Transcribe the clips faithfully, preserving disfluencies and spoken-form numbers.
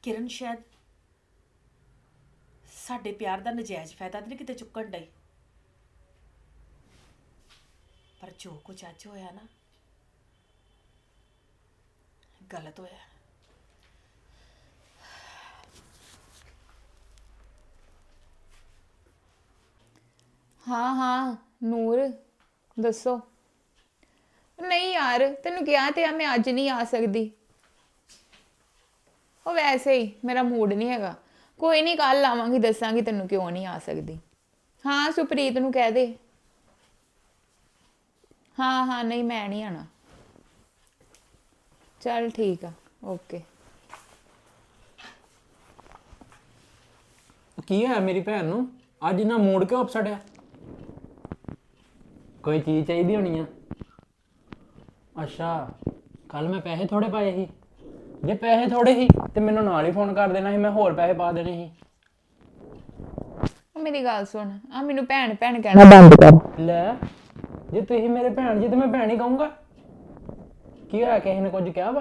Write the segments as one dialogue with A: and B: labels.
A: ਕਿਰਨ ਸ਼ਾਇਦ ਸਾਡੇ ਪਿਆਰ ਦਾ ਨਜਾਇਜ਼ ਫਾਇਦਾ ਤਾਂ ਨਹੀਂ ਕਿਤੇ ਚੁੱਕਣ ਡਈ। ਪਰ ਜੋ ਕੁਝ ਅੱਜ ਹੋਇਆ ਨਾ, ਗਲਤ ਹੋਇਆ।
B: ਹਾਂ ਹਾਂ ਨੂਰ ਦੱਸੋ। ਨਹੀਂ ਯਾਰ ਤੈਨੂੰ ਕਿਹਾ ਤੇ ਆ ਮੈਂ ਅੱਜ ਨਹੀਂ ਆ ਸਕਦੀ। ਉਹ ਵੈਸੇ ਹੀ ਮੇਰਾ ਮੂਡ ਨਹੀਂ ਹੈਗਾ। ਕੋਈ ਨਹੀਂ ਕੱਲ ਆਵਾਂਗੀ, ਦੱਸਾਂਗੀ ਤੈਨੂੰ ਕਿਉਂ ਨਹੀਂ ਆ ਸਕਦੀ। ਹਾਂ ਸੁਪ੍ਰੀਤ ਨੂੰ ਕਹਿ ਦੇ। ਹਾਂ ਹਾਂ ਨਹੀਂ ਮੈਂ ਨਹੀਂ ਆਣਾ। ਚੱਲ ਠੀਕ ਆ ਓਕੇ।
C: ਕੀ ਹੋਇਆ ਮੇਰੀ ਭੈਣ ਨੂੰ ਅੱਜ ਨਾ ਮੂਡ ਕਿਉਂ ਅਪਸੈਟ ਆ? ਕੋਈ ਚੀਜ਼ ਚਾਹੀਦੀ ਹੋਣੀ ਆ। ਅੱਛਾ ਕੱਲ ਮੈਂ ਪੈਸੇ ਥੋੜੇ ਪਾਏ ਸੀ। ਜੇ ਪੈਸੇ ਥੋੜੇ ਸੀ ਤੇ ਮੈਨੂੰ ਨਾਲ ਹੀ ਫੋਨ ਕਰ ਦੇਣਾ ਸੀ, ਮੈਂ ਹੋਰ ਪੈਸੇ ਪਾ ਦੇਣੇ ਸੀ।
B: ਉਹ ਮੇਰੀ ਗੱਲ ਸੁਣ, ਆ ਮੈਨੂੰ ਭੈਣ ਭੈਣ ਕਹਿਣਾ ਬੰਦ ਕਰ
C: ਲੈ। ਜੇ ਤੁਸੀਂ ਮੇਰੇ ਭੈਣ ਜੀ ਤੇ ਮੈਂ ਭੈਣ ਹੀ ਕਹੂੰਗਾ। ਕੀ ਹੋਇਆ, ਕਿਸੇ ਨੇ ਕੁਝ ਕਿਹਾ ਵਾ?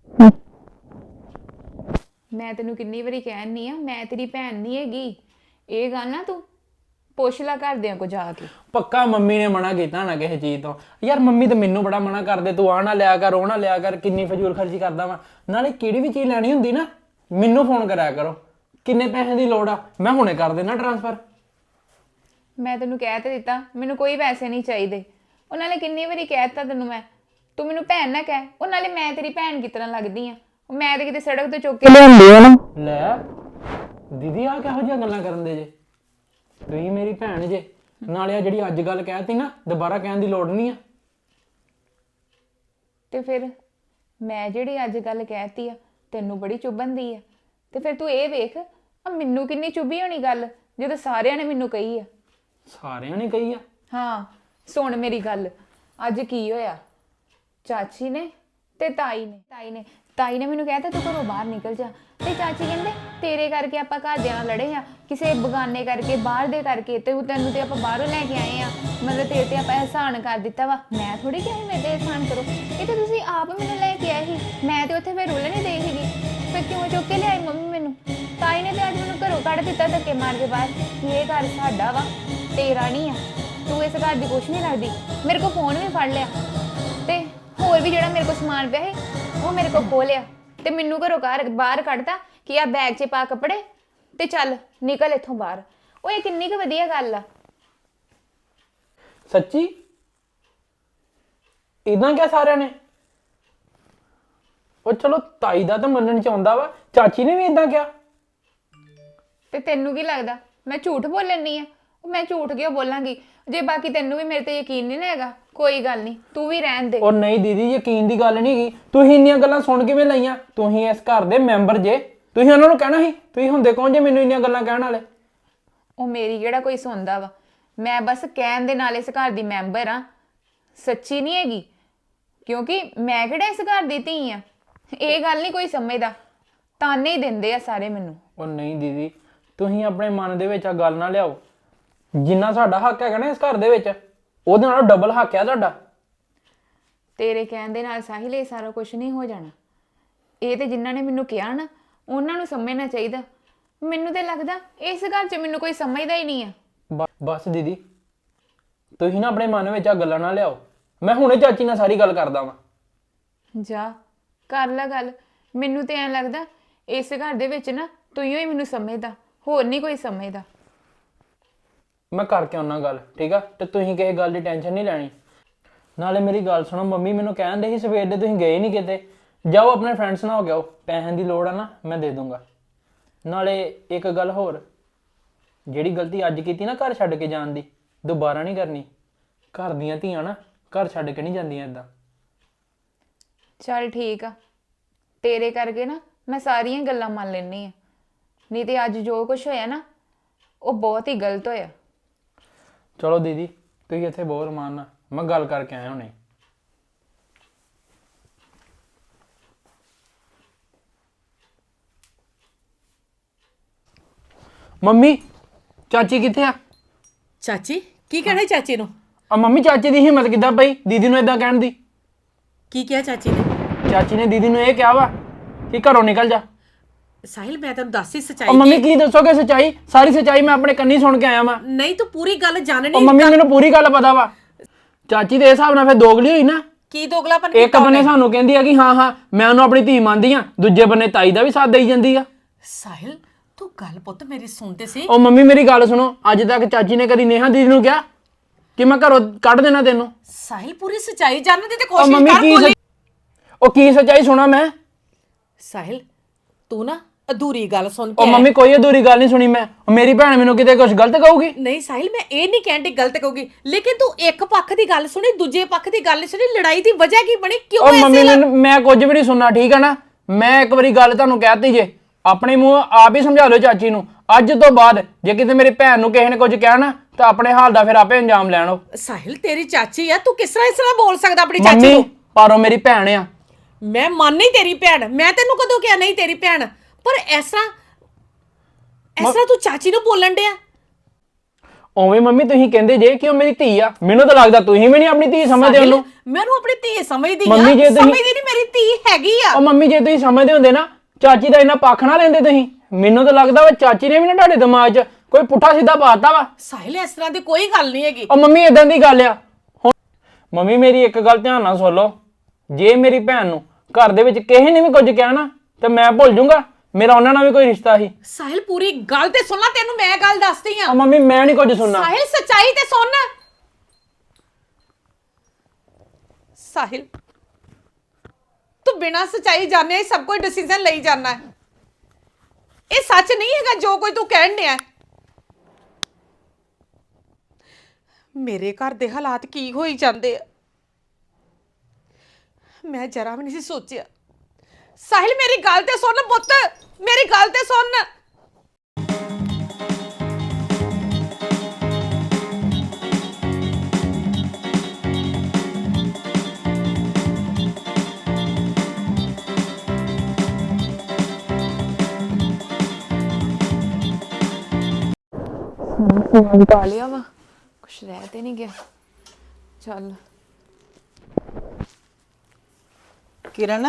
B: ਮੈਂ ਤੈਨੂੰ ਕਿੰਨੀ ਵਾਰੀ ਕਹਿਣੀ ਆ ਮੈਂ ਤੇਰੀ ਭੈਣ ਨਹੀਂ ਹੈਗੀ। ਇਹ ਗੱਲ ਨਾ ਤੂੰ ਪੁੱਛ ਲੈ ਘਰਦਿਆਂ ਕੋ ਜਾ ਕੇ।
C: ਪੱਕਾ ਮੰਮੀ ਨੇ ਮਨਾ ਕੀਤਾ ਨਾ ਕਿਸੇ ਚੀਜ਼ ਤੋਂ। ਯਾਰ ਮੰਮੀ ਤਾਂ ਮੈਨੂੰ ਬੜਾ ਮਨਾ ਕਰਦੇ, ਤੂੰ ਆ ਨਾ ਲਿਆ ਕਰ, ਉਹ ਨਾ ਲਿਆ ਕਰ, ਕਿੰਨੀ ਫਜ਼ੂਲ ਖਰਚੀ ਕਰਦਾ ਵਾ। ਨਾਲੇ ਕਿਹੜੀ ਵੀ ਚੀਜ਼ ਲੈਣੀ ਹੁੰਦੀ ਨਾ ਮੈਨੂੰ ਫੋਨ ਕਰਿਆ ਕਰੋ। ਕਿੰਨੇ ਪੈਸੇ ਦੀ ਲੋੜ ਆ ਮੈਂ ਹੁਣੇ ਕਰ ਦੇਣਾ ਟ੍ਰਾਂਸਫਰ।
B: ਮੈਂ ਤੈਨੂੰ ਕਹਿ ਤੇ ਦਿੱਤਾ ਮੈਨੂੰ ਕੋਈ ਪੈਸੇ ਨਹੀਂ ਚਾਹੀਦੇ। ਉਹ ਨਾਲੇ ਕਿੰਨੀ ਵਾਰੀ ਕਹਿ ਦਿੱਤਾ ਤੈਨੂੰ ਮੈਂ, ਤੂੰ ਮੈਨੂੰ ਭੈਣ ਨਾ ਕਹਿ। ਉਹ ਨਾਲੇ ਮੈਂ ਤੇਰੀ ਭੈਣ ਕਿਸ ਤਰ੍ਹਾਂ ਲੱਗਦੀ ਆ? ਮੈਂ ਤੇ ਕਿਤੇ ਸੜਕ ਤੋਂ ਚੁੱਕ ਕੇ ਲਿਆਂਦੀ ਆ ਨਾ।
C: ਲੈ ਦੀਦੀ ਆ ਕਿਹੋ ਜਿਹੀਆਂ ਗੱਲਾਂ ਕਰਨ ਦੇ ਜੇ? ਤੁਸੀਂ ਮੇਰੀ ਭੈਣ ਜੇ, ਨਾਲੇ ਆ ਜਿਹੜੀ ਅੱਜ ਗੱਲ ਕਹਿਤੀ ਨਾ ਦੁਬਾਰਾ ਕਹਿਣ ਦੀ ਲੋੜ ਨਹੀਂ ਆ।
B: ਤੇ ਫਿਰ ਮੈਂ ਜਿਹੜੀ ਅੱਜ ਗੱਲ ਕਹਿਤੀ ਆ ਤੈਨੂੰ ਬੜੀ ਚੁੱਭਣ ਆ। ਤੇ ਫਿਰ ਤੂੰ ਇਹ ਵੇਖ ਆ ਮੈਨੂੰ ਕਿੰਨੀ ਚੁੱਭੀ ਹੋਣੀ ਗੱਲ ਜਦੋਂ ਸਾਰਿਆਂ ਨੇ ਮੈਨੂੰ ਕਹੀ ਆ।
C: ਸਾਰਿਆਂ ਨੇ ਕਹੀ ਆ?
B: ਹਾਂ ਸੁਣ ਮੇਰੀ ਗੱਲ। ਅੱਜ ਕੀ ਹੋਇਆ, ਚਾਚੀ ਨੇ ਤੇ ਤਾਈ ਨੇ ਤਾਈ ਨੇ ਤਾਈ ਨੇ ਮੈਨੂੰ ਕਹਿਤਾ ਤੂੰ ਘਰੋਂ ਬਾਹਰ ਨਿਕਲ ਜਾ। ਤੇ ਚਾਚੀ ਕਹਿੰਦੇ ਤੇਰੇ ਕਰਕੇ ਆਪਾਂ ਘਰਦਿਆਂ ਨਾਲ ਲੜੇ ਆ, ਕਿਸੇ ਬਗਾਨੇ ਕਰਕੇ, ਬਾਹਰ ਦੇ ਕਰਕੇ। ਤੇ ਤੈਨੂੰ ਤੇ ਆਪਾਂ ਬਾਹਰੋਂ ਲੈ ਕੇ ਆਏ ਆ, ਮਤਲਬ ਤੇਰੇ ਤੇ ਆਪਾਂ ਅਹਿਸਾਨ ਕਰ ਦਿੱਤਾ ਵਾ। ਮੈਂ ਥੋੜੀ ਕਿਹਾ ਸੀ ਮੇਰੇ ਤੇ ਅਹਿਸਾਨ ਕਰੋ, ਇਹ ਤਾਂ ਤੁਸੀਂ ਆਪ ਮੈਨੂੰ ਲੈ ਕੇ ਆਏ ਸੀ। ਮੈਂ ਤੇ ਉੱਥੇ ਫਿਰ ਰੁੱਲ ਨਹੀਂ ਦੇਈ ਸੀਗੀ। ਫਿਰ ਕਿਉਂ ਚੁੱਕ ਕੇ ਲਿਆਈ ਮੰਮੀ ਮੈਨੂੰ? ਤਾਈ ਨੇ ਤੇ ਅੱਜ ਮੈਨੂੰ ਘਰੋਂ ਕੱਢ ਦਿੱਤਾ ਧੱਕੇ ਮਾਰ ਕੇ ਬਾਹਰ ਕਿ ਇਹ ਘਰ ਸਾਡਾ ਵਾ, ਤੇਰਾ ਨਹੀਂ ਆ, ਤੂੰ ਇਸ ਘਰ ਦੀ ਕੁਛ ਨਹੀਂ ਲੱਗਦੀ। ਮੇਰੇ ਕੋਲ ਫੋਨ ਵੀ ਫੜ ਲਿਆ ਤੇ ਹੋਰ ਵੀ ਜਿਹੜਾ ਮੇਰੇ ਕੋਲ ਸਮਾਨ ਪਿਆ ਸੀ ਉਹ ਮੇਰੇ ਕੋਲ ਖੋਹ ਲਿਆ ਤੇ ਮੈਨੂੰ ਘਰੋਂ ਘਰ ਬਾਹਰ ਕੱਢਤਾ ਕਿ ਆ ਬੈਗ 'ਚ ਪਾ ਕੱਪੜੇ ਤੇ ਚੱਲ ਨਿਕਲ ਇੱਥੋਂ ਬਾਹਰ। ਉਹ ਇਹ ਕਿੰਨੀ ਕੁ ਵਧੀਆ ਗੱਲ ਆ।
C: ਸੱਚੀ ਇਦਾਂ ਕਿਹਾ ਸਾਰਿਆਂ ਨੇ? ਉਹ ਚਲੋ ਤਾਈ ਦਾ ਤਾਂ ਮੰਨਣ ਚ ਆਉਂਦਾ ਵਾ, ਚਾਚੀ ਨੇ ਵੀ ਇਦਾਂ ਕਿਹਾ?
B: ਤੇ ਤੈਨੂੰ ਕੀ ਲੱਗਦਾ ਮੈਂ ਝੂਠ ਬੋਲਣੀ ਆ? ਮੈਂ ਝੂਠ ਕਿਉਂ ਬੋਲਾਂਗੀ? ਜੇ ਬਾਕੀ ਤੈਨੂੰ ਵੀ ਮੇਰੇ ਤੇ ਯਕੀਨ ਨਹੀਂ ਨਾ ਹੈਗਾ ਕੋਈ ਗੱਲ ਨਹੀਂ, ਤੂੰ ਵੀ ਰਹਿਣ ਦੇ।
C: ਉਹ ਨਹੀਂ ਦੀਦੀ ਯਕੀਨ ਦੀ ਗੱਲ ਨਹੀਂ ਗਈ। ਤੁਸੀਂ ਇੰਨੀਆਂ ਗੱਲਾਂ ਸੁਣ ਕਿਵੇਂ ਲਈਆਂ? ਤੁਸੀਂ ਇਸ ਘਰ ਦੇ ਮੈਂਬਰ ਜੇ, ਤੁਸੀਂ ਉਹਨਾਂ ਨੂੰ ਕਹਿਣਾ ਸੀ। ਤੁਸੀਂ ਹੁੰਦੇ ਕੌਣ ਜੇ ਮੈਨੂੰ ਇੰਨੀਆਂ ਗੱਲਾਂ ਕਹਿਣ ਵਾਲੇ?
B: ਉਹ ਮੇਰੀ ਕਿਹੜਾ ਕੋਈ ਸੁਣਦਾ ਵਾ, ਮੈਂ ਬਸ ਕਹਿਣ ਦੇ ਨਾਲ ਇਸ ਘਰ ਦੀ ਮੈਂਬਰ ਆ, ਸੱਚੀ ਨਹੀਂ ਹੈਗੀ। ਕਿਉਂਕਿ ਮੈਂ ਕਿਹੜਾ ਇਸ ਘਰ ਦੀ ਧੀ ਆ। ਇਹ ਗੱਲ ਨਹੀਂ ਕੋਈ ਸਮਝਦਾ, ਤਾਨੇ ਹੀ ਦਿੰਦੇ ਆ ਸਾਰੇ ਮੈਨੂੰ।
C: ਉਹ ਨਹੀਂ ਦੀਦੀ ਤੁਸੀਂ ਆਪਣੇ ਮਨ ਦੇ ਵਿੱਚ ਆ ਗੱਲ ਨਾ ਲਿਆਓ। ਜਿੰਨਾ ਸਾਡਾ ਹੱਕ ਹੈਗਾ ਨਾ ਇਸ ਘਰ ਦੇ ਵਿੱਚ, ਉਹਦੇ ਨਾਲੋਂ ਡਬਲ ਹੱਕ ਆ ਤੁਹਾਡਾ।
B: ਤੇਰੇ ਕਹਿਣ ਦੇ ਨਾਲ ਸਾਹਿਲ ਇਹ ਸਾਰਾ ਕੁਝ ਨਹੀਂ ਹੋ ਜਾਣਾ। ਇਹ ਤੇ ਜਿਨ੍ਹਾਂ ਨੇ ਮੈਨੂੰ ਕਿਹਾ ਨਾ ਉਹਨਾਂ ਨੂੰ ਸਮਝਣਾ ਚਾਹੀਦਾ। ਮੈਨੂੰ ਤੇ ਲੱਗਦਾ ਇਸ ਘਰ 'ਚ ਮੈਨੂੰ ਕੋਈ ਸਮਝਦਾ ਹੀ ਨਹੀਂ ਆ।
C: ਬ- ਬਸ ਦੀਦੀ ਤੁਸੀਂ ਨਾ ਆਪਣੇ ਮਨ ਵਿੱਚ ਆ ਗੱਲਾਂ ਨਾ ਲਿਆਓ। ਮੈਂ ਹੁਣੇ ਚਾਚੀ ਨਾਲ ਸਾਰੀ ਗੱਲ ਕਰਦਾ ਵਾਂ।
B: ਜਾ ਕਰ ਲੈ ਗੱਲ। ਮੈਨੂੰ ਤੇ ਐਂ ਲੱਗਦਾ ਇਸ ਘਰ ਦੇ ਵਿੱਚ ਨਾ ਤੂੰ ਹੀ ਮੈਨੂੰ ਸਮਝਦਾ, ਹੋਰ ਨਹੀਂ ਕੋਈ ਸਮਝਦਾ।
C: ਮੈਂ ਕਰਕੇ ਆਉਣਾ ਗੱਲ, ਠੀਕ ਆ? ਤੇ ਤੁਸੀਂ ਕਿਸੇ ਗੱਲ ਦੀ ਟੈਨਸ਼ਨ ਨਹੀਂ ਲੈਣੀ। ਨਾਲੇ ਮੇਰੀ ਗੱਲ ਸੁਣੋ, ਮੰਮੀ ਮੈਨੂੰ ਕਹਿੰਦੇ ਸੀ ਸਵੇਰ ਦੇ ਤੁਸੀਂ ਗਏ ਨਹੀਂ ਕਿਤੇ। ਜਾਓ ਆਪਣੇ ਫਰੈਂਡਸ ਨਾਲ ਹੋ ਕੇ ਆਓ, ਪੈਸਿਆਂ ਦੀ ਲੋੜ ਆ ਨਾ ਮੈਂ ਦੇ ਦੂੰਗਾ। ਨਾਲੇ ਇੱਕ ਗੱਲ ਹੋਰ, ਜਿਹੜੀ ਗਲਤੀ ਅੱਜ ਕੀਤੀ ਨਾ ਘਰ ਛੱਡ ਕੇ ਜਾਣ ਦੀ, ਦੁਬਾਰਾ ਨਹੀਂ ਕਰਨੀ। ਘਰ ਦੀਆਂ ਧੀਆਂ ਨਾ ਘਰ ਛੱਡ ਕੇ ਨਹੀਂ ਜਾਂਦੀਆਂ ਇਦਾਂ।
B: ਚੱਲ ਠੀਕ ਆ, ਤੇਰੇ ਕਰਕੇ ਨਾ ਮੈਂ ਸਾਰੀਆਂ ਗੱਲਾਂ ਮੰਨ ਲੈਂਦੀ ਆ। ਨਹੀਂ ਤੇ ਅੱਜ ਜੋ ਕੁਝ ਹੋਇਆ ਨਾ ਉਹ ਬਹੁਤ ਹੀ ਗਲਤ ਹੋਇਆ।
C: ਚਲੋ ਦੀਦੀ ਤੁਸੀਂ ਇੱਥੇ ਬਹੁਤ ਰਮਾਨ ਨਾਲ, ਮੈਂ ਗੱਲ ਕਰਕੇ ਆਇਆ ਹੁਣੇ। ਮੰਮੀ ਚਾਚੀ ਕਿੱਥੇ ਆ?
A: ਚਾਚੀ ਕੀ ਕਹਿਣਾ ਚਾਚੀ ਨੂੰ?
C: ਆ ਮੰਮੀ ਚਾਚੀ ਦੀ ਹਿੰਮਤ ਕਿੱਦਾਂ ਪਈ ਦੀਦੀ ਨੂੰ ਇਦਾਂ ਕਹਿਣ ਦੀ?
A: ਕੀ ਕਿਹਾ ਚਾਚੀ ਨੇ?
C: ਚਾਚੀ ਨੇ ਦੀਦੀ ਨੂੰ ਇਹ ਕਿਹਾ ਵਾ ਕਿ ਘਰੋਂ ਨਿਕਲ ਜਾ।
A: ਸਾਹਿਲ ਮੈਂ ਤੈਨੂੰ ਦੱਸ ਹੀ
C: ਉਹ
A: ਸੱਚਾਈ
C: ਮੰਮੀ ਕੀ ਦੱਸੋਗੇ ਸੱਚਾਈ? ਸਾਰੀ ਸੱਚਾਈ ਮੈਂ ਆਪਣੇ ਕੰਨੀ ਸੁਣ ਕੇ ਆਇਆ ਵਾਂ।
A: ਨਹੀਂ ਤੂੰ ਪੂਰੀ ਗੱਲ ਜਾਣਨੀ।
C: ਉਹ ਮੰਮੀ ਮੈਨੂੰ ਪੂਰੀ ਗੱਲ ਪਤਾ ਵਾ। ਚਾਚੀ ਦੇ ਹਿਸਾਬ ਨਾਲ ਫਿਰ ਦੋਗਲੀ ਹੋਈ ਨਾ।
A: ਕੀ ਦੋਗਲਾਪਨ
C: ਇੱਕ ਬੰਨੇ ਸਾਨੂੰ ਕਹਿੰਦੀ ਆ ਕਿ ਹਾਂ ਹਾਂ ਮੈਂ ਉਹਨੂੰ ਆਪਣੀ ਧੀ ਮੰਨਦੀ ਆ, ਦੂਜੇ ਬੰਨੇ ਤਾਈ ਦਾ ਵੀ ਸਾਥ ਦੇਈ ਜਾਂਦੀ ਆ।
A: ਸਾਹਿਲ ਤੂੰ ਗੱਲ ਪੁੱਤ ਮੇਰੀ ਸੁਣਦੇ ਸੀ।
C: ਉਹ ਮੰਮੀ ਮੇਰੀ ਗੱਲ ਸੁਣੋ, ਅੱਜ ਤੱਕ ਚਾਚੀ ਨੇ ਕਦੀ ਨੇਹਾ ਦੀਦੀ ਨੂੰ ਕਿਹਾ ਕਿ ਮੈਂ ਘਰੋਂ ਕੱਢ ਦੇਣਾ ਤੈਨੂੰ?
A: ਸਾਹਿਲ ਪੂਰੀ ਸੱਚਾਈ ਜਾਣਨ ਦੀ ਤੇ
C: ਉਹ
A: ਕੋਸ਼ਿਸ਼
C: ਮੰਮੀ
A: ਕਰ
C: ਕੀ
A: ਬੋਲੀ।
C: ਸੱਚ- ਉਹ ਕੀ ਸੱਚਾਈ ਸੁਣਾ ਮੈਂ?
A: ਸਾਹਿਲ ਤੂੰ ਨਾ ਅਧੂਰੀ ਗੱਲ ਸੁਣ ਕੇ
C: ਉਹ ਮੰਮੀ ਕੋਈ ਅਧੂਰੀ ਗੱਲ ਨਹੀਂ ਸੁਣੀ ਮੈਂ। ਉਹ ਮੇਰੀ ਭੈਣ ਮੈਨੂੰ ਕਿਤੇ ਕੁਝ ਗਲਤ ਕਹੂਗੀ?
A: ਨਹੀਂ ਸਾਹਿਲ ਮੈਂ ਇਹ ਨਹੀਂ ਕਹਿੰਦੀ ਗਲਤ ਕਹੂਗੀ, ਲੇਕਿਨ ਤੂੰ ਇੱਕ ਪੱਖ ਦੀ ਗੱਲ ਸੁਣੀ ਦੂਜੇ ਪੱਖ ਦੀ ਗੱਲ ਨਹੀਂ ਸੁਣੀ। ਲੜਾਈ ਦੀ ਵਜ੍ਹਾ ਕੀ ਬਣੀ? ਕਿਉਂ
C: ਉਹ
A: ਐਸੇ
C: ਮੰਮੀ
A: ਲੱਗ-
C: ਮੈਨੂੰ ਮੈਂ ਕੁਝ ਵੀ ਨਹੀਂ ਸੁਣਨਾ, ਠੀਕ ਹੈ ਨਾ? ਮੈਂ ਇੱਕ ਵਾਰੀ ਗੱਲ ਤੁਹਾਨੂੰ ਕਹਿਤੀ ਜੇ, ਆਪਣੇ ਮੂੰਹ ਆਪ ਹੀ ਸਮਝਾ ਦਿਓ ਚਾਚੀ ਨੂੰ। ਅੱਜ ਤੋਂ ਬਾਅਦ ਜੇ ਕਿਤੇ ਮੇਰੀ ਭੈਣ ਨੂੰ ਕਿਸੇ ਨੇ ਕੁਝ ਕਿਹਾ ਨਾ ਤਾਂ ਆਪਣੇ ਹਾਲ ਦਾ ਫਿਰ ਆਪੇ ਅੰਜਾਮ ਲੈਣ। ਉਹ
A: ਸਾਹਿਲ ਤੇਰੀ ਚਾਚੀ ਆ, ਤੂੰ ਕਿਸ ਤਰ੍ਹਾਂ ਇਸ ਤਰ੍ਹਾਂ ਬੋਲ ਸਕਦਾ ਆਪਣੀ ਚਾਚੀ
C: ਮੰਮੀ
A: ਨੂੰ?
C: ਪਰ ਉਹ ਮੇਰੀ ਭੈਣ ਆ।
A: ਮੈਂ ਮੰਨ ਨਹੀਂ ਤੇਰੀ ਭੈਣ, ਮੈਂ ਤੈਨੂੰ ਕਦੋਂ ਕਿਹਾ ਨਹੀਂ ਤੇਰੀ ਭੈਣ, ਪਰ ਇਸ ਤਰ੍ਹਾਂ ਇਸ ਤਰ੍ਹਾਂ ਤੂੰ ਚਾਚੀ ਨੂੰ ਬੋਲਣ ਡਿਆ।
C: ਉਵੇਂ ਮੰਮੀ ਤੁਸੀਂ ਕਹਿੰਦੇ ਜੇ ਕਿ ਉਹ ਮੇਰੀ ਧੀ ਆ, ਮੈਨੂੰ ਤਾਂ ਲੱਗਦਾ ਤੁਸੀਂ ਵੀ ਨਹੀਂ ਆਪਣੀ ਧੀ ਸਮਝਦੇ
A: ਸਾਹਿਲ,
C: ਉਹਨੂੰ।
A: ਮੈਂ ਉਹਨੂੰ ਆਪਣੀ ਧੀ ਸਮਝਦੀ ਆ।
C: ਮੰਮੀ ਜੇ ਤੁਸੀਂ-
A: ਸਮਝਦੀ ਨਹੀਂ, ਮੇਰੀ ਧੀ ਹੈਗੀ ਆ।
C: ਉਹ ਮੰਮੀ ਜੇ ਤੁਸੀਂ ਸਮਝਦੇ ਹੁੰਦੇ ਨਾ ਚਾਚੀ ਦਾ ਇੰਨਾ ਪੱਖ ਨਾ ਲੈਂਦੇ ਤੁਸੀਂ। ਮੈਨੂੰ ਤਾਂ ਲੱਗਦਾ ਵਾ ਚਾਚੀ ਨੇ ਵੀ ਨਾ ਤੁਹਾਡੇ ਦਿਮਾਗ 'ਚ ਕੋਈ ਪੁੱਠਾ ਸਿੱਧਾ ਪਾਤਾ ਵਾ।
A: ਸਾਹਿਲ ਇਸ ਤਰ੍ਹਾਂ ਦੀ ਕੋਈ ਗੱਲ ਨਹੀਂ ਹੈਗੀ।
C: ਉਹ ਮੰਮੀ ਇਦਾਂ ਦੀ ਗੱਲ ਆ। ਹੁਣ ਮੰਮੀ ਮੇਰੀ ਇੱਕ ਗੱਲ ਧਿਆਨ ਨਾਲ ਸੁਣ ਲਓ, ਜੇ ਮੇਰੀ ਭੈਣ ਨੂੰ ਘਰ ਦੇ ਵਿੱਚ ਕਿਸੇ ਨੇ ਵੀ ਕੁਝ ਕਿਹਾ ਨਾ ਤੇ ਮੈਂ ਭੁੱਲ ਜਾਊਂਗਾ ਮੇਰਾ ਉਹਨਾਂ ਨਾਲ ਵੀ ਕੋਈ ਰਿਸ਼ਤਾ ਸੀ।
A: ਸਾਹਿਲ ਪੂਰੀ ਗੱਲ ਤੇ ਸੁਣ ਲੈ, ਤੈਨੂੰ ਮੈਂ ਗੱਲ ਦੱਸਦੀ ਆ।
C: ਉਹ ਮੰਮੀ ਮੈਂ ਨਹੀਂ ਕੁਝ ਸੁਣਨਾ।
A: ਸਾਹਿਲ ਸੱਚਾਈ ਤੇ ਸੁਣ। ਸਾਹਿਲ ਤੂੰ ਬਿਨਾਂ ਸੱਚਾਈ ਜਾਣੇ ਹੀ ਸਭ ਕੋਈ ਡਿਸੀਜਨ ਲਈ ਜਾਣਾ ਹੈ। ਇਹ ਸੱਚ ਨਹੀਂ ਹੈਗਾ ਜੋ ਕੋਈ ਤੂੰ ਕਹਿਣ ਡਿਆ ਹੈ। ਮੇਰੇ ਘਰ ਦੇ ਹਾਲਾਤ ਕੀ ਹੋਈ ਜਾਂਦੇ ਆ, ਮੈਂ ਜਰਾ ਵੀ ਨਹੀਂ ਸੀ ਸੋਚਿਆ। ਸਾਹਿਲ ਮੇਰੀ ਗੱਲ ਤੇ ਸੁਣ ਪੁੱਤ, ਮੇਰੀ ਗੱਲ ਤੇ ਸੁਣ।
B: ਫੋਨ ਪਾ ਲਿਆ ਵਾ, ਕੁਛ ਰਹਿ ਤੇ ਨਹੀਂ ਗਿਆ। ਚੱਲ
D: किरण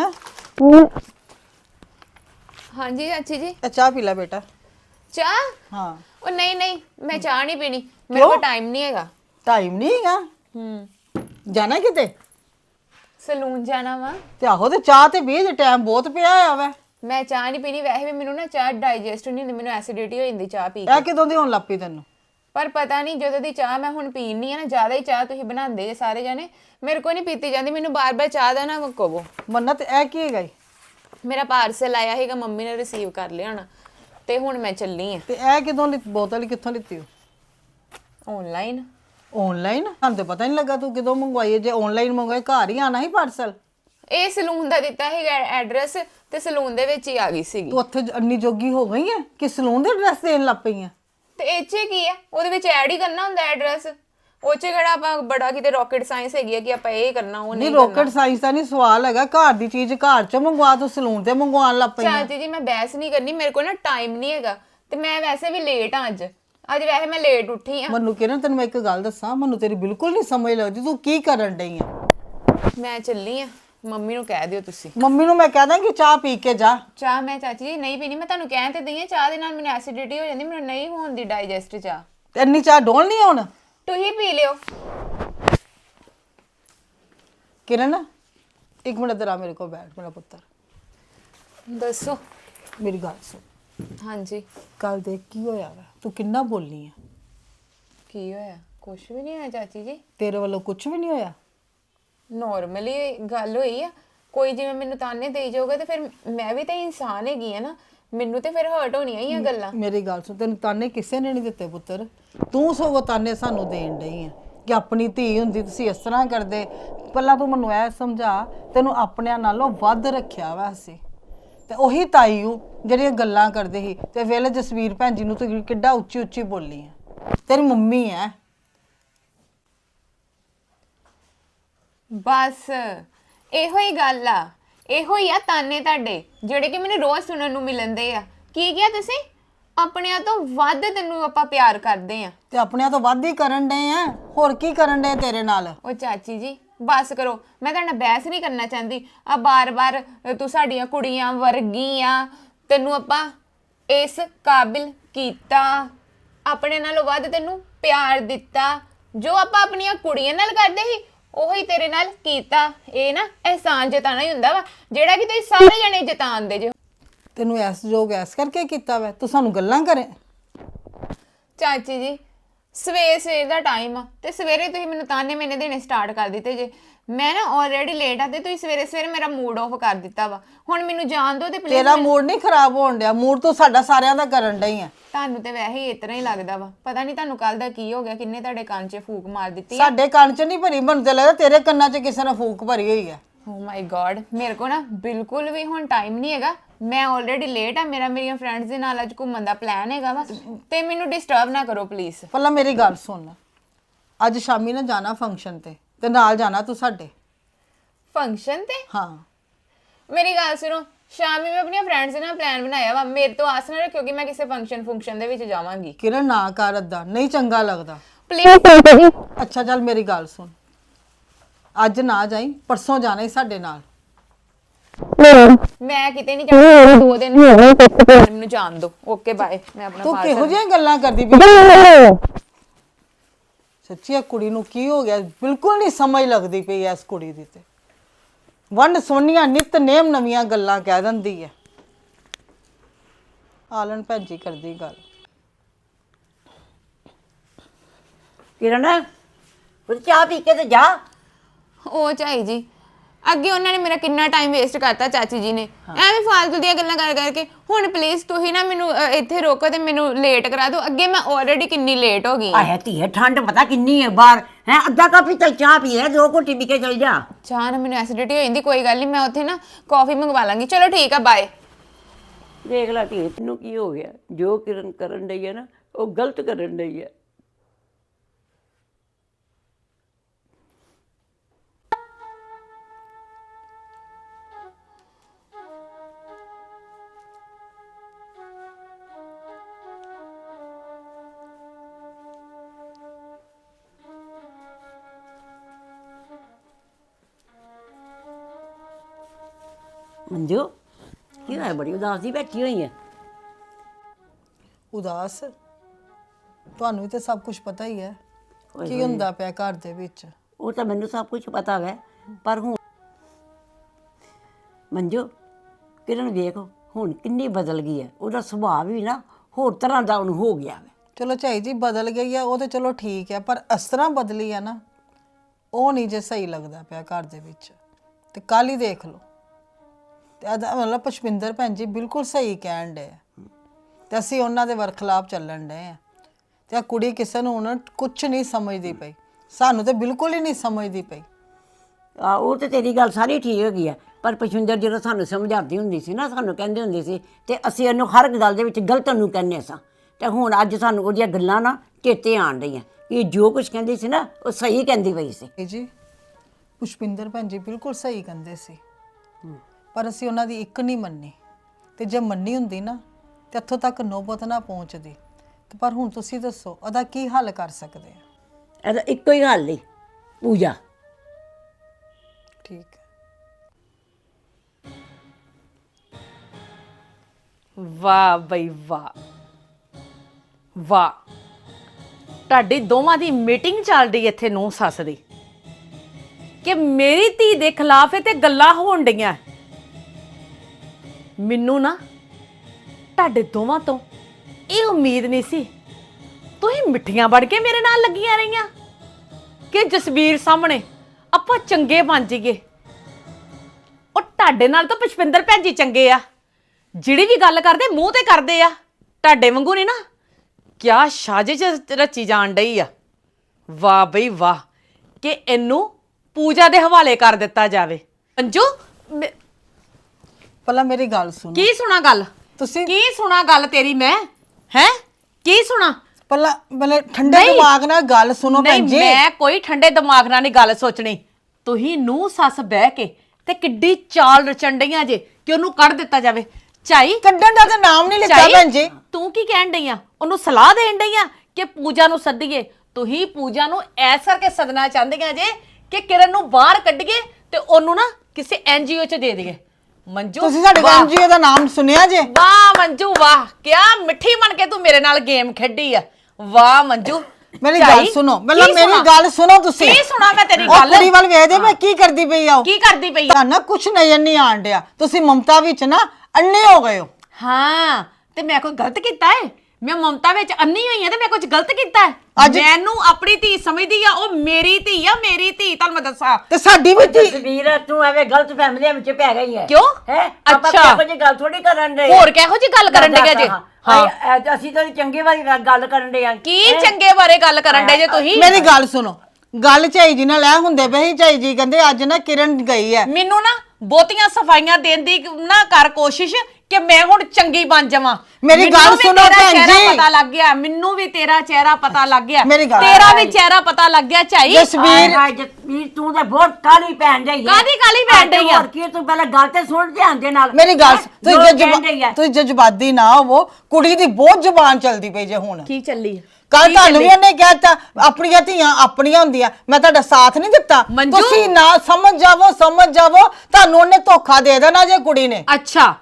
B: ਹਾਂਜੀ ਚਾਚੀ ਜੀ।
D: ए, चाह पी ला बेटा।
B: ਚਾਹ?
D: हाँ
B: ਉਹ ਨਹੀਂ ਨਹੀਂ ਮੈਂ ਚਾਹ ਨਹੀਂ ਪੀਣੀ, ਮੇਰੇ ਕੋਲ ਟਾਈਮ ਨਹੀਂ ਹੈਗਾ।
D: टाइम नहीं है
B: ਹੂੰ
D: जाना किते
B: ਸਲੂਨ ਜਾਣਾ ਵਾ।
D: ते आहो ते चाह ते पी जे टाइम बहुत पिया है वे।
B: ਮੈਂ ਚਾਹ ਨਹੀਂ ਪੀਣੀ, ਵੈਸੇ ਵੀ ਮੈਨੂੰ ਨਾ ਚਾਹ ਡਾਈਜੈਸਟ ਨਹੀਂ ਹੁੰਦੀ, ਮੈਨੂੰ ਐਸਿਡਿਟੀ ਹੋ ਜਾਂਦੀ ਚਾਹ ਪੀ
D: ए
B: ਕੇ।
D: किदों दी होन लग पई तैनू?
B: ਪਰ ਪਤਾ ਨਹੀਂ ਜਦੋਂ ਦੀ ਚਾਹ ਮੈਂ ਹੁਣ ਪੀਣੀ ਆ ਨਾ, ਜ਼ਿਆਦਾ ਹੀ ਚਾਹ ਤੁਸੀਂ ਬਣਾਉਂਦੇ ਜੇ ਸਾਰੇ ਜਾਣੇ, ਮੇਰੇ ਕੋਲ ਨਹੀਂ ਪੀਤੀ ਜਾਂਦੀ। ਮੈਨੂੰ ਬਾਰ-ਬਾਰ ਚਾਹ ਦਾ ਨਾ ਕਹੋ।
D: मन्नत ए की है गई
B: ਮੇਰਾ ਪਾਰਸਲ ਆਇਆ ਹੈਗਾ, ਮੰਮੀ ਨੇ ਰਿਸੀਵ ਕਰ ਲਿਆ ਹੋਣਾ ਤੇ ਹੁਣ ਮੈਂ ਚੱਲੀ ਆ
D: ते ए किदों ली बोतल कित्थों लित्ती हो?
B: ਆਨਲਾਈਨ।
D: ऑनलाइन हम तो पता नहीं लगा तू किदों मंगवाई है। जे ऑनलाइन मंगवाई घर ही आना ही पार्सल।
B: ਇਹ ਸਲੂਨ ਦਾ ਦਿੱਤਾ ਹੈਗਾ ਐਡਰੈਸ ਤੇ ਸਲੂਨ ਦੇ ਵਿੱਚ ਹੀ ਆ ਗਈ ਸੀਗੀ।
D: तू उत्थे अन्नी जोगी हो गई है कि सलून दे एड्रेस देन लग पई है।
B: ਤੇ ਇਹ 'ਚ ਕੀ ਹੈ, ਉਹਦੇ ਵਿੱਚ ਐਡ ਹੀ ਕਰਨਾ ਹੁੰਦਾ ਐਡਰੈਸ। ਉਹ 'ਚ ਕਿਹੜਾ ਆਪਾਂ ਬੜਾ ਕਿਤੇ ਰਾਕਟ ਸਾਇੰਸ ਹੈਗੀ ਹੈ ਕਿ ਆਪਾਂ ਇਹ ਕਰਨਾ ਉਹ
D: नहीं
B: ਨਹੀਂ
D: रॉकेट साइंस का नहीं सवाल हैगा, घर दी चीज घर चों मंगवा तू सलून ते मंगवान लग पई है।
B: ਚਾਚੀ ਜੀ ਮੈਂ ਬਹਿਸ ਨਹੀਂ ਕਰਨੀ, ਮੇਰੇ ਕੋਲ ਨਾ ਟਾਈਮ ਨਹੀਂ ਹੈਗਾ ਤੇ ਮੈਂ ਵੈਸੇ ਵੀ ਲੇਟ ਆ ਅੱਜ ਅੱਜ ਵੈਸੇ ਮੈਂ ਲੇਟ ਉੱਠੀ ਆ।
D: मन्नू किरण तेन मैं एक गल दसा, मन्नू तेरी बिल्कुल नहीं समझ लगदी तू की करन डई है।
B: ਮੈਂ ਚੱਲੀ ਆ, ਮੰਮੀ ਨੂੰ ਕਹਿ ਦਿਓ ਤੁਸੀਂ।
D: मम्मी ਨੂੰ मैं कह ਦਾਂ कि चाह पी के जा।
B: ਚਾਹ ਮੈਂ ਚਾਚੀ ਜੀ ਨਹੀਂ ਪੀਣੀ, ਮੈਂ ਤੁਹਾਨੂੰ ਕਹਿ ਤੇ ਦਈ ਆ ਚਾਹ ਦੇ ਨਾਲ ਮੈਨੂੰ ਐਸਿਡਿਟੀ ਹੋ ਜਾਂਦੀ, ਮੈਨੂੰ ਨਹੀਂ ਹੁੰਦੀ ਡਾਈਜੈਸਟ ਚਾਹ।
D: ਤੇ ਇੰਨੀ ਚਾਹ ਡੋਲ ਨਹੀਂ ਹੁਣ।
B: ਤੁਸੀਂ ਪੀ ਲਿਓ।
D: किरण एक मिनट इधर आ मेरे को बैठ मेरा पुत्र।
B: ਦੱਸੋ।
D: मेरी गल सुन।
B: ਹਾਂਜੀ
D: कल देख की होया वा, तू किन्ना बोलनी है।
B: ਕੀ ਹੋਇਆ? ਕੁਝ ਵੀ ਨਹੀਂ ਹੋਇਆ ਚਾਚੀ ਜੀ,
D: तेरे वालों कुछ भी नहीं होया।
B: ਨੋਰਮਲੀ ਗੱਲ ਹੋਈ ਆ। ਕੋਈ ਜਿਵੇਂ ਮੈਨੂੰ ਤਾਨੇ ਦੇਈ ਜਾਊਗਾ ਤੇ ਫਿਰ ਮੈਂ ਵੀ ਤਾਂ ਇਨਸਾਨ ਹੈਗੀ ਆ ਨਾ, ਮੈਨੂੰ ਤੇ ਫਿਰ ਹਰਟ ਹੋਣੀਆਂ ਹੀ ਆ ਗੱਲਾਂ।
D: मेरी गल सुन, तेन ताने किसे ने नहीं दिते पुत्र, तू सगों ताने सानू देन डई है कि अपनी धी हुंदी तुसीं इस तरह करदे। पहला तू मैनू ऐ समझा, तैनू अपनिਆਂ नालों ਵੱਧ ਰੱਖਿਆ ਵਾ ਅਸੀਂ ਤੇ ਉਹੀ ਤਾਈ ਹੂੰ ਜਿਹੜੀਆਂ ਗੱਲਾਂ ਕਰਦੇ ਸੀ। ਤੇ ਵੇਲੇ ਜਸਵੀਰ ਭੈਣ ਜੀ ਨੂੰ ਤੂੰ ਕਿੱਡਾ ਉੱਚੀ ਉੱਚੀ ਬੋਲੀ ਹੈ, ਤੇਰੀ ਮੰਮੀ ਹੈ।
B: ਬਸ ਇਹੋ ਹੀ ਗੱਲ ਆ, ਇਹੋ ਹੀ ਆ ਤਾਨੇ ਤੁਹਾਡੇ ਜਿਹੜੇ ਕਿ ਮੈਨੂੰ ਰੋਜ਼ ਸੁਣਨ ਨੂੰ ਮਿਲਣਦੇ ਆ। ਕੀ ਕਿਹਾ ਤੁਸੀਂ? ਆਪਣਿਆਂ ਤੋਂ ਵੱਧ ਤੈਨੂੰ ਆਪਾਂ ਪਿਆਰ ਕਰਦੇ ਆ।
D: ਤੇ ਆਪਣਿਆਂ ਤੋਂ ਵੱਧ ਹੀ ਕਰਨ ਡਏ ਆ, ਹੋਰ ਕੀ ਕਰਨ ਡਏ ਤੇਰੇ ਨਾਲ।
B: ਉਹ ਚਾਚੀ ਜੀ ਬਸ ਕਰੋ, ਮੈਂ ਤੁਹਾਡੇ ਨਾਲ ਬਹਿਸ ਨਹੀਂ ਕਰਨਾ ਚਾਹੁੰਦੀ। ਆ ਬਾਰ-ਬਾਰ ਤੂੰ ਸਾਡੀਆਂ ਕੁੜੀਆਂ ਵਰਗੀਆਂ ਤੈਨੂੰ ਆਪਾਂ ਇਸ ਕਾਬਿਲ ਕੀਤਾ, ਆਪਣੇ ਨਾਲੋਂ ਵੱਧ ਤੈਨੂੰ ਪਿਆਰ ਦਿੱਤਾ। ਜੋ ਆਪਾਂ ਆਪਣੀਆਂ ਕੁੜੀਆਂ ਨਾਲ ਕਰਦੇ ਸੀ ਉਹੀ ਤੇਰੇ ਨਾਲ ਕੀਤਾ। ਇਹ ਨਾ ਅਹਿਸਾਨ ਜਤਾਣਾ ਹੀ ਹੁੰਦਾ ਵਾ, ਜਿਹੜਾ ਕਿ ਤੁਸੀਂ ਸਾਰੇ ਜਣੇ ਜਤਾਉਂਦੇ ਜੇ।
D: ਤੈਨੂੰ ਐਸ ਜੋਗ ਐਸ ਕਰਕੇ ਕੀਤਾ ਵੈ, ਤੂੰ ਸਾਨੂੰ ਗੱਲਾਂ ਕਰੇ।
B: ਚਾਚੀ ਜੀ ਸਵੇਰ ਸਵੇਰ ਦਾ ਟਾਈਮ ਆ ਤੇ ਸਵੇਰੇ ਤੁਸੀਂ ਮੈਨੂੰ ਤਾਨੇ ਮੈਨੇ ਦੇਣੇ ਸਟਾਰਟ ਕਰ ਦਿੱਤੇ ਜੇ। ਮੈਂ ਨਾ ਆਲਰੇਡੀ ਲੇਟ ਆ ਤੇ ਤੁਸੀਂ ਸਵੇਰੇ ਸਵੇਰੇ ਮੇਰਾ ਮੂਡ ਆਫ ਕਰ ਦਿੱਤਾ ਵਾ। ਹੁਣ ਮੈਨੂੰ ਜਾਣ ਦਿਓ ਤੇ ਪਲੀਜ਼।
D: ਤੇਰਾ ਮੂਡ ਨਹੀਂ ਖਰਾਬ ਹੋਣ ਡਿਆ, ਮੂਡ ਤੂੰ ਸਾਡਾ ਸਾਰਿਆਂ ਦਾ ਕਰਨ ਡਈ ਆ।
B: ਤੁਹਾਨੂੰ ਤੇ ਵੈਸੇ ਹੀ ਇਤਨਾ ਹੀ ਲੱਗਦਾ ਵਾ, ਪਤਾ ਨਹੀਂ ਤੁਹਾਨੂੰ ਕੱਲ ਦਾ ਕੀ ਹੋ ਗਿਆ, ਕਿੰਨੇ ਤੁਹਾਡੇ ਕੰਨ 'ਚ ਫੂਕ ਮਾਰ ਦਿੱਤੀ ਆ।
D: ਸਾਡੇ ਕੰਨ 'ਚ ਨਹੀਂ ਭਰੀ, ਮੈਨੂੰ ਤੇ ਲੱਗਦਾ ਤੇਰੇ ਕੰਨਾਂ 'ਚ ਕਿਸੇ ਨੇ ਫੂਕ ਭਰੀ ਹੋਈ ਹੈ।
B: ਓ ਮਾਈ ਗॉड, ਮੇਰੇ ਕੋ ਨਾ ਬਿਲਕੁਲ ਵੀ ਹੁਣ ਟਾਈਮ ਨਹੀਂ ਹੈਗਾ। ਮੈਂ ਆਲਰੇਡੀ ਲੇਟ ਆ, ਮੇਰਾ ਮੇਰੀਆਂ ਫਰੈਂਡਸ ਦੇ ਨਾਲ ਅੱਜ ਘੁੰਮਣ ਦਾ ਪਲਾਨ ਹੈਗਾ ਵਾ ਤੇ ਮੈਨੂੰ ਡਿਸਟਰਬ ਨਾ ਕਰੋ ਪਲੀਜ਼।
D: ਪਹਿਲਾਂ ਮੇਰੀ ਗੱਲ ਸੁਣ ਲੈ, ਅੱਜ ਸ਼ਾਮੀ ਨਾ ਜਾਣਾ ਫੰਕਸ਼ਨ ਤੇ ਤੇ ਨਾਲ ਜਾਣਾ ਤੂੰ ਸਾਡੇ।
B: ਫੰਕਸ਼ਨ ਤੇ?
D: ਹਾਂ
B: ਮੇਰੀ ਗੱਲ ਸੁਣੋ, ਸ਼ਾਮੀ ਮੈਂ ਆਪਣੀਆਂ ਫਰੈਂਡਸ ਦੇ ਨਾਲ ਪਲਾਨ ਬਣਾਇਆ ਵਾ, ਮੇਰੇ ਤੋਂ ਆਸ ਨਾ ਰੱਖਿਓ ਕਿ ਮੈਂ ਕਿਸੇ ਫੰਕਸ਼ਨ ਫੰਕਸ਼ਨ ਦੇ ਵਿੱਚ ਜਾਵਾਂਗੀ।
D: ਕਿਰਨ ਨਾ ਕਰ ਅੱਦਾ, ਨਹੀਂ ਚੰਗਾ ਲੱਗਦਾ।
B: ਪਲੀਜ਼।
D: ਅੱਛਾ ਚੱਲ ਮੇਰੀ ਗੱਲ ਸੁਣ, ਅੱਜ ਨਾ ਜਾਈ, ਪਰਸੋਂ ਜਾਣਾ ਹੀ ਸਾਡੇ ਨਾਲ।
B: ਮੈਂ ਕਿਤੇ ਨਹੀਂ ਜਾਣਾ, ਦੋ ਦਿਨ ਮੈਨੂੰ ਜਾਣ ਦਿਓ। Okay bye. ਮੈਂ ਆਪਣਾ
D: ਤੂੰ
B: parcel-
D: ਕਿਹੋ ਜਿਹੀਆਂ ਗੱਲਾਂ ਕਰਦੀ ਪਈ? ਸੱਚੀ ਇਹ ਕੁੜੀ ਨੂੰ ਕੀ ਹੋ ਗਿਆ, ਬਿਲਕੁਲ ਨਹੀਂ ਸਮਝ ਲੱਗਦੀ ਪਈ ਇਸ ਕੁੜੀ ਦੀ। ਤੇ ਵੰਡ ਸੋਨੀਆਂ ਨਿਤਨੇਮ ਨਵੀਆਂ ਗੱਲਾਂ ਕਹਿ ਦਿੰਦੀ ਹੈ। ਆਲਣ ਭੈਣ ਜੀ ਕਰਦੀ ਗੱਲ।
E: ਕਿਰਨ ਉਹ ਚਾਹ ਪੀ ਕੇ ਤੇ ਜਾ।
B: ਉਹ ਚਾਈ ਜੀ ਅੱਗੇ ਉਹਨਾਂ ਨੇ ਮੇਰਾ ਕਿੰਨਾ ਟਾਈਮ ਵੇਸਟ ਕਰਤਾ ਚਾਚੀ ਜੀ ਨੇ, ਐਵੇਂ ਫਾਲਤੂ ਦੀਆਂ ਗੱਲਾਂ ਕਰ ਕਰਕੇ। ਹੁਣ ਪਲੀਜ਼ ਤੁਸੀਂ ਨਾ ਮੈਨੂੰ ਅ, ਇੱਥੇ ਰੋਕੋ ਤੇ ਮੈਨੂੰ ਲੇਟ ਕਰਾ ਦਿਓ। ਅੱਗੇ ਮੈਂ ਆਲਰੇਡੀ ਕਿੰਨੀ ਲੇਟ ਹੋ ਗਈ ਹਾਂ।
E: ਆਇਆ ਧੀਏ ਠੰਡ ਪਤਾ ਕਿੰਨੀ ਹੈ ਬਾਹਰ ਹੈ, ਅੱਧਾ ਕੱਪ ਹੀ ਚੱਲ ਚਾਹ ਪੀ ਲੈ, ਦੋ ਘੁੱਟੀ ਪੀ ਕੇ ਚਲ ਜਾ।
B: ਚਾਹ ਨਾਲ ਮੈਨੂੰ ਐਸਿਡਿਟੀ ਹੋ ਜਾਂਦੀ, ਕੋਈ ਗੱਲ ਨਹੀਂ, ਮੈਂ ਉੱਥੇ ਨਾ ਕਾਫੀ ਮੰਗਵਾ ਲਾਂਗੀ। ਚਲੋ ਠੀਕ ਆ, ਬਾਏ।
E: ਦੇਖ ਲੈ ਧੀਏ ਤੈਨੂੰ ਕੀ ਹੋ ਗਿਆ, ਜੋ ਕਿਰਨ ਕਰਨ ਡਈ ਹੈ ਨਾ ਉਹ ਗਲਤ ਕਰਨ ਡਈ ਹੈ। ਮੰਜੂ ਕੀ ਹੋਇਆ, ਬੜੀ ਉਦਾਸ ਜੀ ਬੈਠੀ ਹੋਈ ਹੈ।
D: ਉਦਾਸ? ਤੁਹਾਨੂੰ ਵੀ ਤੇ ਸਭ ਕੁਝ ਪਤਾ ਹੀ ਹੈ ਕੀ ਹੁੰਦਾ ਪਿਆ ਘਰ ਦੇ ਵਿੱਚ।
E: ਉਹ ਤਾਂ ਮੈਨੂੰ ਸਭ ਕੁਝ ਪਤਾ ਵੈ, ਪਰ ਹੁਣ ਮੰਜੂ ਕਿਰਨ ਵੇਖ ਹੁਣ ਕਿੰਨੀ ਬਦਲ ਗਈ ਹੈ, ਉਹਦਾ ਸੁਭਾਅ ਵੀ ਨਾ ਹੋਰ ਤਰ੍ਹਾਂ ਦਾ ਹੁਣ ਹੋ ਗਿਆ ਵੈ।
D: ਚਲੋ ਝਾਈ ਜੀ ਬਦਲ ਗਈ ਆ ਉਹ ਤੇ ਚਲੋ ਠੀਕ ਹੈ, ਪਰ ਇਸ ਤਰ੍ਹਾਂ ਬਦਲੀ ਆ ਨਾ ਉਹ ਨਹੀਂ ਜੇ ਸਹੀ ਲੱਗਦਾ ਪਿਆ ਘਰ ਦੇ ਵਿੱਚ। ਤੇ ਕੱਲ ਹੀ ਦੇਖ ਲਓ ਤੇ ਇਹਦਾ ਮਤਲਬ ਪੁਸ਼ਪਿੰਦਰ ਭੈਣ ਜੀ ਬਿਲਕੁਲ ਸਹੀ ਕਹਿਣ ਡੇ ਤੇ ਅਸੀਂ ਉਹਨਾਂ ਦੇ ਵਰਖਲਾਫ ਚੱਲਣ ਡੇ ਆ। ਤੇ ਆ ਕੁੜੀ ਕਿਸੇ ਨੂੰ ਹੁਣ ਕੁਝ ਨਹੀਂ ਸਮਝਦੀ ਪਈ, ਸਾਨੂੰ ਤੇ ਬਿਲਕੁਲ ਹੀ ਨਹੀਂ ਸਮਝਦੀ ਪਈ।
E: ਆ ਉਹ ਤੇ ਤੇਰੀ ਗੱਲ ਸਾਰੀ ਠੀਕ ਹੈਗੀ ਆ, ਪਰ ਪਛੁੰਦਰ ਜਦੋਂ ਸਾਨੂੰ ਸਮਝਾਉਂਦੀ ਹੁੰਦੀ ਸੀ ਨਾ, ਸਾਨੂੰ ਕਹਿੰਦੇ ਹੁੰਦੇ ਸੀ ਤੇ ਅਸੀਂ ਉਹਨੂੰ ਹਰ ਗੱਲ ਦੇ ਵਿੱਚ ਗਲਤ ਨੂੰ ਕਹਿੰਦੇ ਸਾਂ। ਤੇ ਹੁਣ ਅੱਜ ਸਾਨੂੰ ਉਹਦੀਆਂ ਗੱਲਾਂ ਨਾ ਚੇਤੇ ਆਣ ਰਹੀਆਂ ਕਿ ਜੋ ਕੁਝ ਕਹਿੰਦੀ ਸੀ ਨਾ ਉਹ ਸਹੀ ਕਹਿੰਦੀ ਪਈ ਸੀ।
D: ਇਹ ਜੀ ਪੁਸ਼ਪਿੰਦਰ ਭੈਣ ਜੀ ਬਿਲਕੁਲ ਸਹੀ ਕਹਿੰਦੇ ਸੀ, ਪਰ ਅਸੀਂ ਉਹਨਾਂ ਦੀ ਇੱਕ ਨਹੀਂ ਮੰਨੀ। ਤੇ ਜੇ ਮੰਨੀ ਹੁੰਦੀ ਨਾ ਤੇ ਇੱਥੋਂ ਤੱਕ ਨੌਬਤ ਨਾ ਪਹੁੰਚਦੀ। ਤੇ ਪਰ ਹੁਣ ਤੁਸੀਂ ਦੱਸੋ ਉਹਦਾ ਕੀ ਹੱਲ ਕਰ ਸਕਦੇ ਆ?
E: ਇਹਦਾ ਇੱਕੋ ਹੀ ਹੱਲ ਈ, ਪੂਜਾ।
D: ਠੀਕ ਹੈ।
A: ਵਾਹ ਬਈ ਵਾਹ ਵਾਹ, ਤੁਹਾਡੀ ਦੋਵਾਂ ਦੀ ਮੀਟਿੰਗ ਚੱਲ ਰਹੀ ਇੱਥੇ ਨੂੰਹ ਸੱਸ ਦੀ ਕਿ ਮੇਰੀ ਧੀ ਦੇ ਖਿਲਾਫ ਇਹ ਤੇ ਗੱਲਾਂ ਹੋਣ ਡੀਆਂ। ਮੈਨੂੰ ਨਾ ਤੁਹਾਡੇ ਦੋਵਾਂ ਤੋਂ ਇਹ ਉਮੀਦ ਨਹੀਂ ਸੀ। ਤੁਸੀਂ ਮਿੱਠੀਆਂ ਬਣ ਕੇ ਮੇਰੇ ਨਾਲ ਲੱਗੀਆਂ ਰਹੀਆਂ ਕਿ ਜਸਵੀਰ ਸਾਹਮਣੇ ਆਪਾਂ ਚੰਗੇ ਬਣ ਜਾਈਏ। ਉਹ ਤੁਹਾਡੇ ਨਾਲ ਤਾਂ ਪੁਸ਼ਪਿੰਦਰ ਭੈਣ ਜੀ ਚੰਗੇ ਆ, ਜਿਹੜੀ ਵੀ ਗੱਲ ਕਰਦੇ ਮੂੰਹ ਤੇ ਕਰਦੇ ਆ। ਤੁਹਾਡੇ ਵਾਂਗੂ ਨਹੀਂ ਨਾ, ਕਿਆ ਸਾਜ਼ਿਸ਼ ਰਚੀ ਜਾਣ ਡਈ ਆ। ਵਾਹ ਬਈ ਵਾਹ, ਕਿ ਇਹਨੂੰ ਪੂਜਾ ਦੇ ਹਵਾਲੇ ਕਰ ਦਿੱਤਾ ਜਾਵੇ। ਅੰਜੂ ਮੇ-
D: ਪਹਿਲਾਂ ਮੇਰੀ ਗੱਲ ਸੁਣੋ।
A: ਕੀ ਸੁਣਾ ਗੱਲ?
D: ਤੁਸੀਂ
A: ਕੀ ਸੁਣਾ ਗੱਲ ਤੇਰੀ ਮੈਂ? ਹੈ ਕੀ ਸੁਣਾ?
D: ਪਹਿਲਾਂ ਬਲੇ ਠੰਡੇ
A: ਨਹੀਂ।
D: ਦਿਮਾਗ ਨਾਲ ਗੱਲ ਸੁਣੋ ਭੈਣ
A: ਨਹੀਂ,
D: ਜੀ।
A: ਮੈਂ ਕੋਈ ਠੰਡੇ ਦਿਮਾਗ ਨਾਲ ਨਹੀਂ ਗੱਲ ਸੋਚਣੀ। ਤੁਸੀਂ ਨੂੰ ਸੱਸ ਬਹਿ ਕੇ ਤੇ ਕਿੱਡੀ ਚਾਲ ਰਚਣ ਡਈਆਂ ਜੇ ਕਿ ਉਹਨੂੰ ਕੱਢ ਦਿੱਤਾ ਜਾਵੇ। ਝਾਈ
D: ਕੱਢਣ ਦਾ ਤਾਂ ਨਾਮ ਨਹੀਂ ਲਿੱਤਾ
A: ਝਾਈ,
D: ਭੈਣ ਜੀ।
A: ਤੂੰ ਕੀ ਕਹਿਣ ਡਈ ਆ? ਉਹਨੂੰ ਸਲਾਹ ਦੇਣ ਡਈ ਆ ਕਿ ਪੂਜਾ ਨੂੰ ਸੱਦੀਏ? ਤੁਸੀਂ ਪੂਜਾ ਨੂੰ ਐਸ ਕਰਕੇ ਸੱਦਣਾ ਚਾਹੁੰਦੀਆਂ ਜੇ ਕਿ ਕਿਰਨ ਨੂੰ ਬਾਹਰ ਕੱਢੀਏ ਤੇ ਉਹਨੂੰ ਨਾ ਕਿਸੇ ਐਨਜੀਓ 'ਚ ਦੇ ਦਈਏ। ਮੰਜੂ
D: ਤੁਸੀਂ ਸਾਡੇ
A: ਵਾਹ।
D: ਐਨਜੀਓ ਦਾ ਨਾਮ ਸੁਣਿਆ ਜੇ?
A: ਵਾਹ ਮੰਜੂ ਵਾਹ, ਕਿਆ ਮਿੱਠੀ ਬਣ ਕੇ ਤੂੰ ਮੇਰੇ ਨਾਲ ਗੇਮ ਖੇਡੀ ਆ। ਵਾਹ ਮੰਜੂ,
D: ਮੇਰੀ
A: ਝਾਈ,
D: ਗੱਲ ਸੁਣੋ, ਪਹਿਲਾਂ
A: ਕੀ
D: ਮੇਰੀ
A: ਸੁਣਾ?
D: ਗੱਲ ਸੁਣੋ ਤੁਸੀਂ।
A: ਕੀ ਸੁਣਾ ਮੈਂ ਤੇਰੀ
D: ਉਹ
A: ਗੱਲ?
D: ਕੁੜੀ ਵੱਲ ਵੇਖਦੇ ਮੈਂ ਕੀ ਕਰਦੀ ਪਈ ਆ ਉਹ।
A: ਕੀ ਕਰਦੀ ਪਈ ਆ?
D: ਤੁਹਾਨੂੰ ਨਾ ਕੁਛ ਨਜ਼ਰ ਨਹੀਂ ਆਣ ਡਿਆ, ਤੁਸੀਂ ਮਮਤਾ ਵਿੱਚ ਨਾ ਅੰਨੇ ਹੋ ਗਏ ਹੋ।
A: ਹਾਂ, ਤੇ ਮੈਂ ਕੋਈ ਗਲਤ ਕੀਤਾ ਹੈ? ਮੈਂ ਮਮਤਾ ਵਿੱਚ ਅੰਨੀ ਹੋਈ ਆ ਤੇ ਮੈਂ ਕੁਝ ਗਲਤ ਕੀਤਾ ਹੈ?
D: ਅੱਜ-
A: ਮੈਨੂੰ ਆਪਣੀ ਧੀ ਸਮਝਦੀ ਆ, ਉਹ ਮੇਰੀ ਧੀ ਆ, ਮੇਰੀ ਧੀ। ਤੁਹਾਨੂੰ ਮੈਂ ਦੱਸਾਂ
D: ਤੇ ਸਾਡੀ ਵੀ ਧੀ
E: ਜਸਵੀਰ ਤੂੰ ਐਵੇਂ ਗਲਤ ਫੈਮਲੀਆਂ ਵਿੱਚ ਪੈ ਗਈ ਹੈ
A: ਕਿਉਂ?
E: ਹੈ
A: ਅੱਛਾ।
E: ਆਪਾਂ ਕੋਈ ਗੱਲ ਥੋੜੀ ਕਰਨ ਦੇ
A: ਹੋਰ ਕਿਹੋ ਜੀ ਗੱਲ ਕਰਨ ਦੇ ਜੇ?
E: ਹਾਂ ਅਸੀਂ ਤਾਂ ਚੰਗੇ ਵਾਲੀ ਗੱਲ ਕਰਨ ਦੇ ਆ
A: ਕੀ ਚੰਗੇ ਬਾਰੇ ਗੱਲ ਕਰਨ ਦੇ ਜੇ ਤੁਸੀਂ?
D: ਮੇਰੀ ਗੱਲ ਸੁਣੋ, ਗੱਲ ਝਾਈ ਜੀ ਨਾਲ ਐ ਹੁੰਦੇ ਪਏ ਸੀ। ਝਾਈ ਜੀ ਕਹਿੰਦੇ ਅੱਜ ਨਾ ਕਿਰਨ ਗਈ ਹੈ।
A: ਮੈਨੂੰ ਨਾ ਬਹੁਤੀਆਂ ਸਫਾਈਆਂ ਦੇਣ ਦੀ ਨਾ ਕਰ ਕੋਸ਼ਿਸ਼ ਕਿ ਮੈਂ ਹੁਣ ਚੰਗੀ ਬਣ ਜਾਵਾਂ।
D: ਮੇਰੀ
A: ਮੈਨੂੰ
D: ਗੱਲ
A: ਵੀ
D: ਸੁਣੋ
A: ਤੇਰਾ
D: ਭੈਣ
A: ਚਿਹਰਾ
D: ਜੀ।
A: ਪਤਾ ਲੱਗ ਗਿਆ, ਮੈਨੂੰ ਵੀ ਤੇਰਾ ਚਿਹਰਾ ਪਤਾ ਲੱਗ ਗਿਆ,
D: ਮੇਰੀ ਗੱਲ-
A: ਤੇਰਾ ਵੀ ਚਿਹਰਾ ਪਤਾ ਲੱਗ ਗਿਆ ਝਾਈ।
D: ਜਸਵੀਰ
E: ਹਾਏ ਜਸਵੀਰ ਤੂੰ ਤਾਂ ਬਹੁਤ ਕਾਲੀ ਪੈਣ ਰਹੀ ਹੈ
A: ਕਾਹਦੀ ਕਾਹਲੀ ਪੈਣ ਡਈ ਆ?
E: ਹੋਰ ਕੀ ਤੂੰ ਪਹਿਲਾਂ ਗੱਲ ਤੇ ਸੁਣ ਧਿਆਨ ਦੇ ਨਾਲ
D: ਮੇਰੀ ਗੱਲ
E: ਹੈਂ?
D: ਤੁਸੀਂ
E: ਜੋ
D: ਜਜ਼ਬਾ-
E: ਕਹਿਣ ਡਈ ਹੈ।
D: ਤੁਸੀਂ ਜਜ਼ਬਾਤੀ ਨਾ ਹੋਵੋ। ਕੁੜੀ ਦੀ ਬਹੁਤ ਜ਼ੁਬਾਨ ਚੱਲਦੀ ਪਈ ਜੇ ਹੁਣ।
A: ਕੀ ਚੱਲੀ ਆ?
D: ਕੱਲ
A: ਕੀ
D: ਤੁਹਾਨੂੰ ਵੀ
A: ਚੱਲੀ?
D: ਉਹਨੇ ਕਹਿਤਾ ਆਪਣੀਆਂ ਧੀਆਂ ਆਪਣੀਆਂ ਹੁੰਦੀਆਂ, ਮੈਂ ਤੁਹਾਡਾ ਸਾਥ ਨਹੀਂ ਦਿੱਤਾ।
A: ਮੰਜੂ?
D: ਤੁਸੀਂ ਨਾ ਸਮਝ ਜਾਵੋ, ਸਮਝ ਜਾਵੋ, ਤੁਹਾਨੂੰ ਉਹਨੇ ਧੋਖਾ ਦੇ ਦੇਣਾ ਜੇ ਕੁੜੀ ਨੇ।
A: ਅੱਛਾ,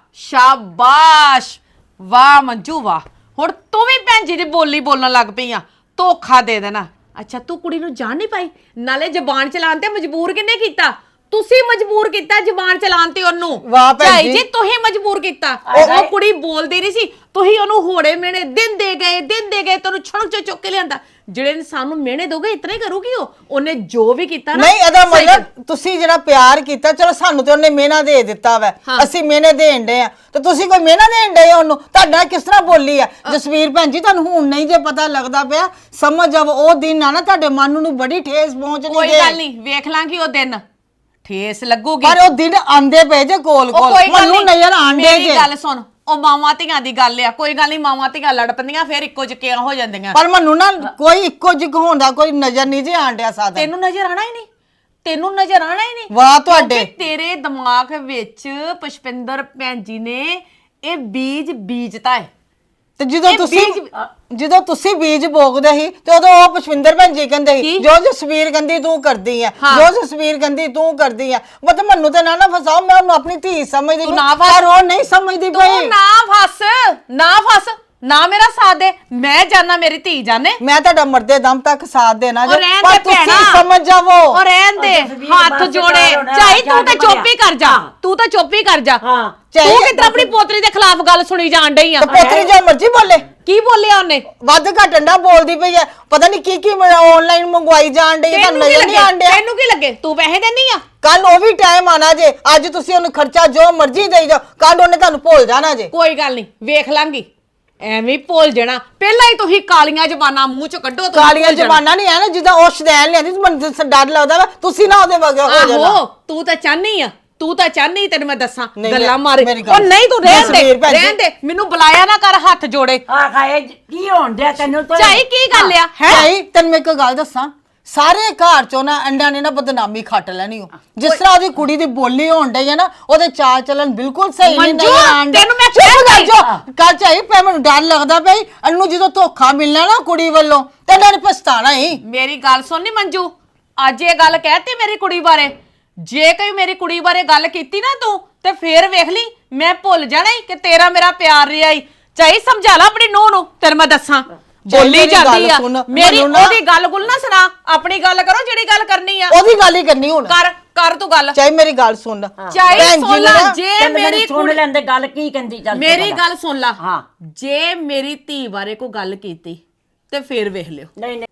A: ਸ਼ਾਬਾਸ਼, ਵਾਹ ਮੰਜੂ ਵਾਹ। ਹੁਣ ਤੂੰ ਵੀ ਭੈਣ ਜੀ ਦੀ ਬੋਲੀ ਬੋਲਣ ਲੱਗ ਪਈ ਆ, ਧੋਖਾ ਦੇ ਦੇਣਾ। ਅੱਛਾ, ਤੂੰ ਕੁੜੀ ਨੂੰ ਜਾਣ ਨਹੀਂ ਪਾਈ? ਨਾਲੇ ਜ਼ਬਾਨ ਚਲਾਉਣ ਤੇ ਮਜਬੂਰ ਕਿੰਨੇ ਕੀਤਾ? ਤੁਸੀਂ ਮਜਬੂਰ ਕੀਤਾ ਜ਼ਬਾਨ ਚਲਾਉਣ ਤੇ ਉਹਨੂੰ।
D: ਵਾਹ ਭੈਣ
A: ਝਾਈ
D: ਜੀ।
A: ਜੀ ਤੁਸੀਂ ਮਜਬੂਰ ਕੀਤਾ। ਉਹ ਕੁੜੀ ਬੋਲਦੀ ਨਹੀਂ ਸੀ, ਤੁਸੀਂ ਉਹਨੂੰ ਹੋੜੇ ਮੇਣੇ ਦਿੰਦੇ ਗਏ ਦਿੰਦੇ ਗਏ, ਤੈਨੂੰ ਛੜਕ ਚ ਚੁੱਕ ਕੇ ਲਿਆਂਦਾ। ਜਿਹੜੇ ਇਨਸਾਨ ਨੂੰ ਮਿਹਣੇ ਦੋਗੇ ਇਤਨਾ ਹੀ ਕਰੂਗੀ ਉਹ। ਉਹਨੇ ਜੋ ਵੀ ਕੀਤਾ ਨਾ,
D: ਨਹੀਂ, ਇਹਦਾ
A: ਸਹੀ
D: ਮਤਲਬ ਤੁਸੀਂ ਜਿਹੜਾ ਪਿਆਰ ਕੀਤਾ, ਚਲੋ ਸਾਨੂੰ ਤੇ ਉਹਨੇ ਮਿਹਨਾ ਦੇ ਦਿੱਤਾ ਵੈ,
A: ਹਾਂ।
D: ਅਸੀਂ ਮਿਹਨੇ ਦੇਣ ਦੇ ਆ, ਤੇ ਤੁਸੀਂ ਕੋਈ ਮਿਹਨਾ ਦੇਣ ਦੇ ਉਹਨੂੰ? ਤੁਹਾਡਾ ਕਿਸ ਤਰ੍ਹਾਂ ਬੋਲੀ ਆ ਜਸਵੀਰ ਭੈਣ ਜੀ? ਤੁਹਾਨੂੰ ਹੁਣ ਨਹੀਂ ਜੇ ਪਤਾ ਲੱਗਦਾ ਪਿਆ, ਸਮਝ ਜਾਵੋ ਉਹ ਦਿਨ ਆ ਨਾ ਤੁਹਾਡੇ ਮਨ ਨੂੰ ਬੜੀ ਠੇਸ ਪਹੁੰਚਣੀ
A: ਕੋਈ
D: ਜੇ।
A: ਗੱਲ ਨਹੀਂ, ਵੇਖ ਲਾਂਗੀ ਉਹ ਦਿਨ, ਠੇਸ ਲੱਗੂਗੀ।
D: ਪਰ ਉਹ ਦਿਨ ਆਂਦੇ ਪਏ ਜੇ ਕੋਲ
A: ਉਹ
D: ਕੋਲ,
A: ਕੋਈ ਗੱਲ
D: ਮੈਨੂੰ
A: ਨਹੀਂ,
D: ਨਜ਼ਰ ਆਂਦੇ
A: ਮੇਰੀ
D: ਜੇ।
A: ਗੱਲ ਸੁਣ, ਉਹ ਮਾਵਾਂ ਧੀਆਂ ਦੀ ਗੱਲ ਆ, ਕੋਈ ਗੱਲ ਨਹੀਂ, ਮਾਵਾਂ ਧੀਆਂ ਲੜ ਪੈਂਦੀਆਂ ਫਿਰ ਇੱਕੋ ਜਿਹੀਆਂ ਹੋ ਜਾਂਦੀਆਂ।
D: ਪਰ ਮੈਨੂੰ ਨਾ ਕੋਈ ਇੱਕੋ ਜਿਹਾ ਹੋਣ ਦਾ ਕੋਈ ਨਜ਼ਰ ਨਹੀਂ ਜੇ ਆਂਡਿਆ ਸਾਦਾ।
A: ਤੈਨੂੰ ਨਜ਼ਰ ਆਣਾ ਹੀ ਨਹੀਂ, ਤੈਨੂੰ ਨਜ਼ਰ ਆਣਾ ਹੀ ਨਹੀਂ।
D: ਵਾਹ ਤੁਹਾਡੇ।
A: ਕਿਉਂਕਿ ਤੇਰੇ ਦਿਮਾਗ ਵਿੱਚ ਪੁਸ਼ਪਿੰਦਰ ਭੈਣ ਜੀ ਨੇ ਇਹ ਬੀਜ ਬੀਜਤਾ ਹੈ।
D: ਤੇ ਜਦੋਂ
A: ਇਹ
D: ਤੁਸੀਂ
A: ਬੀਜ-
D: ਜਦੋਂ ਤੁਸੀਂ ਬੀਜ ਬੋਗਦੇ ਸੀ ਤੇ ਉਦੋਂ ਉਹ ਪੁਸ਼ਪਿੰਦਰ ਭੈਣ ਜੀ ਕਹਿੰਦੇ ਸੀ
A: ਕੀ?
D: ਜੋ ਜਸਵੀਰ ਕਹਿੰਦੀ ਤੂੰ ਕਰਦੀ ਆ,
A: ਹਾਂ।
D: ਜੋ ਜਸਵੀਰ ਕਹਿੰਦੀ ਤੂੰ ਕਰਦੀ ਆ। ਮਤਲਬ ਮੈਨੂੰ ਤੇ ਨਾ ਨਾ ਫਸਾਓ, ਮੈਂ ਉਹਨੂੰ ਆਪਣੀ ਧੀ ਸਮਝਦੀ
A: ਤੂੰ
D: ਪਈ,
A: ਨਾ ਫਸ।
D: ਪਰ ਉਹ ਨਹੀਂ ਸਮਝਦੀ
A: ਤੂੰ
D: ਪਈ।
A: ਨਾ ਫਸ, ਨਾ ਫਸ, ਨਾ ਮੇਰਾ ਸਾਥ ਦੇ। ਮੈਂ ਜਾਣਾ, ਮੇਰੀ ਧੀ ਜਾਣੇ।
D: ਮੈਂ ਤੁਹਾਡਾ ਮਰਦੇ ਦਮ ਤੱਕ ਸਾਥ ਦੇਣਾ
A: ਉਹ
D: ਜੇ,
A: ਰਹਿਣ
D: ਪਰ
A: ਦੇ
D: ਤੁਸੀਂ
A: ਭੈਣਾ।
D: ਸਮਝ ਜਾਵੋ।
A: ਉਹ ਰਹਿਣ ਦੇ,
E: ਜਸਵੀਰ
A: ਹੱਥ
E: ਬਸ
A: ਜੋੜੇ।
E: ਕਰ ਹੋਣਾ,
A: ਝਾਈ ਤੂੰ ਤਾਂ
E: ਚੱਲ
A: ਚੁੱਪ ਹੀ ਕਰ ਜਾ,
E: ਹਾਂ।
A: ਤੂੰ ਤਾਂ ਚੁੱਪ ਹੀ ਕਰ ਜਾ।
E: ਹਾਂ।
A: ਤੂੰ
D: ਝਾਈ
A: ਕਿਤਨਾ ਆਪਣੀ ਪੋਤਰੀ ਦੇ ਖਿਲਾਫ ਗੱਲ ਸੁਣੀ ਜਾਣ ਡਈ ਆ?
D: ਤੇ ਪੋਤਰੀ ਜੋ ਮਰਜ਼ੀ ਬੋਲੇ,
A: ਕੀ ਬੋਲਿਆ ਉਹਨੇ?
D: ਵੱਧ ਘੱਟ ਅੰਡਾ ਬੋਲਦੀ ਪਈ ਹੈ, ਪਤਾ ਨਹੀਂ ਕੀ ਕੀ ਆਨਲਾਈਨ ਮੰਗਵਾਈ ਜਾਣ ਡਈ ਹੈ, ਤੁਹਾਨੂੰ
A: ਤੈਨੂੰ ਕੀ
D: ਨਜ਼ਰ ਨਹੀਂ
A: ਲੱਗੇ?
D: ਆਣ ਡਿਆ?
A: ਤੈਨੂੰ ਕੀ ਲੱਗੇ? ਤੂੰ ਪੈਸੇ ਦੇਣੀ ਆ?
D: ਕੱਲ ਉਹ ਵੀ ਟਾਈਮ ਆਣਾ ਜੇ, ਅੱਜ ਤੁਸੀਂ ਉਹਨੂੰ ਖਰਚਾ ਜੋ ਮਰਜ਼ੀ ਦੇਈ ਜਾਓ, ਕੱਲ ਉਹਨੇ ਤੁਹਾਨੂੰ ਭੁੱਲ ਜਾਣਾ ਜੇ।
A: ਕੋਈ ਗੱਲ ਨਹੀਂ, ਵੇਖ ਲਾਂਗੀ। ਐਵੇਂ ਹੀ ਭੁੱਲ ਜਾਣਾ। ਪਹਿਲਾਂ ਹੀ ਤੁਸੀਂ ਕਾਲੀਆਂ ਜ਼ਬਾਨਾਂ ਮੂੰਹ ਚੋਂ ਕੱਢੋ। ਤੁਸੀਂ
D: ਕਾਲੀਆਂ
A: ਭੁੱਲ ਜਾਣਾ।
D: ਜ਼ਬਾਨਾਂ ਨਹੀਂ ਹੈ ਨਾ, ਜਿੱਦਾਂ ਉਹ ਸ਼ਦੈਨ ਲਿਆਂਦੀ ਤੇ ਮੈਨੂੰ ਤਾਂ ਡਰ ਲੱਗਦਾ ਵਾ ਤੁਸੀਂ ਨਾ ਉਹਦੇ ਵਗੇ ਹੋ ਜਾਣਾ।
A: ਆਹੋ, ਤੂੰ ਤਾਂ ਚਾਹਨੀ ਆ, ਤੂੰ ਤਾਂ ਚਾਹਨੀ, ਤੈਨੂੰ ਮੈਂ ਦੱਸਾਂ
D: ਨਹੀਂ,
A: ਗੱਲਾਂ
D: ਮੇਰੀ-
A: ਮਾਰੇ।
D: ਮੇਰੀ ਗੱਲ
A: ਉਹ ਨਹੀਂ, ਤੂੰ ਰਹਿਣ
D: ਜਸਵੀਰ
A: ਦੇ,
D: ਭੈਣ ਜੀ।
A: ਰਹਿਣ ਦੇ, ਮੈਨੂੰ ਬੁਲਾਇਆ ਨਾ ਕਰ ਹੱਥ ਜੋੜੇ।
E: ਆ ਖਾਏ ਕੀ ਹੋਣ ਡਿਆ ਤੈਨੂੰ ਤਾਂ
A: ਝਾਈ ਕੀ ਗੱਲ ਆ ਹੈ?
D: ਹੈ ਤੈਨੂੰ ਮੈਂ ਇੱਕ ਗੱਲ ਦੱਸਾਂ, ਸਾਰੇ ਘਰ ਚੋਂ ਨਾ ਅੰਡਿਆਂ ਨੇ ਨਾ ਬਦਨਾਮੀ ਖੱਟ ਲੈਣੀ। ਉਹ ਜਿਸ ਤਰ੍ਹਾਂ ਉਹਦੀ ਕੁੜੀ ਦੀ ਬੋਲੀ ਹੋਣ ਡਈ ਹੈ ਨਾ, ਉਹਦੇ ਚਾਲ ਚੱਲਣ ਬਿਲਕੁਲ ਸਹੀ ਨਹੀਂ
A: ਮੰਜੂ,
D: ਨਜ਼ਰ ਆਣ ਡਿਆ।
A: ਤੈਨੂੰ ਮੈਂ
D: ਚੁੱਪ
A: ਕਹਿ
D: ਕਰ
A: ਰਹੀ।
D: ਜੋ ਕੱਲ ਚਾਹੀ ਪੈ, ਮੈਨੂੰ ਡਰ ਲੱਗਦਾ ਪਈ ਇਹਨੂੰ ਜਦੋਂ ਧੋਖਾ ਮਿਲਣਾ ਨਾ ਕੁੜੀ ਵੱਲੋਂ ਤੇ ਇਹਨਾਂ ਨੇ ਪਛਤਾਣਾ ਹੀ।
A: ਮੇਰੀ ਗੱਲ ਸੁਣ ਨੀ ਮੰਜੂ, ਅੱਜ ਇਹ ਗੱਲ ਕਹਿਤੀ ਮੇਰੀ ਕੁੜੀ ਬਾਰੇ। ਜੇ ਕੋਈ ਮੇਰੀ ਕੁੜੀ ਬਾਰੇ ਗੱਲ ਕੀਤੀ ਨਾ ਤੂੰ, ਤੇ ਫੇਰ ਵੇਖ ਲਈ ਮੈਂ ਭੁੱਲ ਜਾਣਾ ਈ ਕਿ ਤੇਰਾ ਮੇਰਾ ਪਿਆਰ ਰਿਹਾ ਈ। ਚਾਹੀ ਸਮਝਾ ਲੈ ਆਪਣੀ ਨੂੰਹ ਨੂੰ, ਤੇਰੇ ਮੈਂ ਦੱਸਾਂ ਬੋਲੀ
D: ਮੇਰੀ
A: ਜਾਂਦੀ
D: ਗੱਲ
A: ਆ।
D: ਸੁਣ,
A: ਮੇਰੀ
D: ਮੈਨੂੰ ਨਾ-
A: ਉਹਦੀ ਗੱਲ ਗੁੱਲ ਨਾ ਸੁਣਾ, ਆਪਣੀ ਗੱਲ ਕਰੋ ਜਿਹੜੀ ਗੱਲ ਕਰਨੀ ਆ।
D: ਉਹਦੀ ਗੱਲ ਹੀ ਕਰਨੀ ਹੁਣ।
A: ਕਰ ਕਰ ਤੂੰ ਗੱਲ।
D: ਚਾਹੀ ਮੇਰੀ ਗੱਲ ਸੁਣ,
A: ਚਾਹੀ
D: ਭੈਣ ਜੀ
A: ਸੁਣ
D: ਨੇ
A: ਲੈ,
D: ਨਾ-
A: ਜੇ
E: ਚੱਲ
A: ਮੇਰੀ
E: ਮੇਰੀ ਸੁਣ
A: ਕੁੜੀ
E: ਲੈਂਦੇ ਗੱਲ ਕੀ ਕਹਿੰਦੀ ਚੱਲ ਤੂੰ
A: ਮੇਰੀ
E: ਪਹਿਲਾਂ।
A: ਗੱਲ ਸੁਣ ਲਾ।
E: ਹਾਂ।
A: ਜੇ ਮੇਰੀ ਧੀ ਬਾਰੇ ਕੋਈ ਗੱਲ ਕੀਤੀ ਤੇ ਫੇਰ ਵੇਖ ਲਿਓ।
E: ਨਹੀਂ ਨਹੀਂ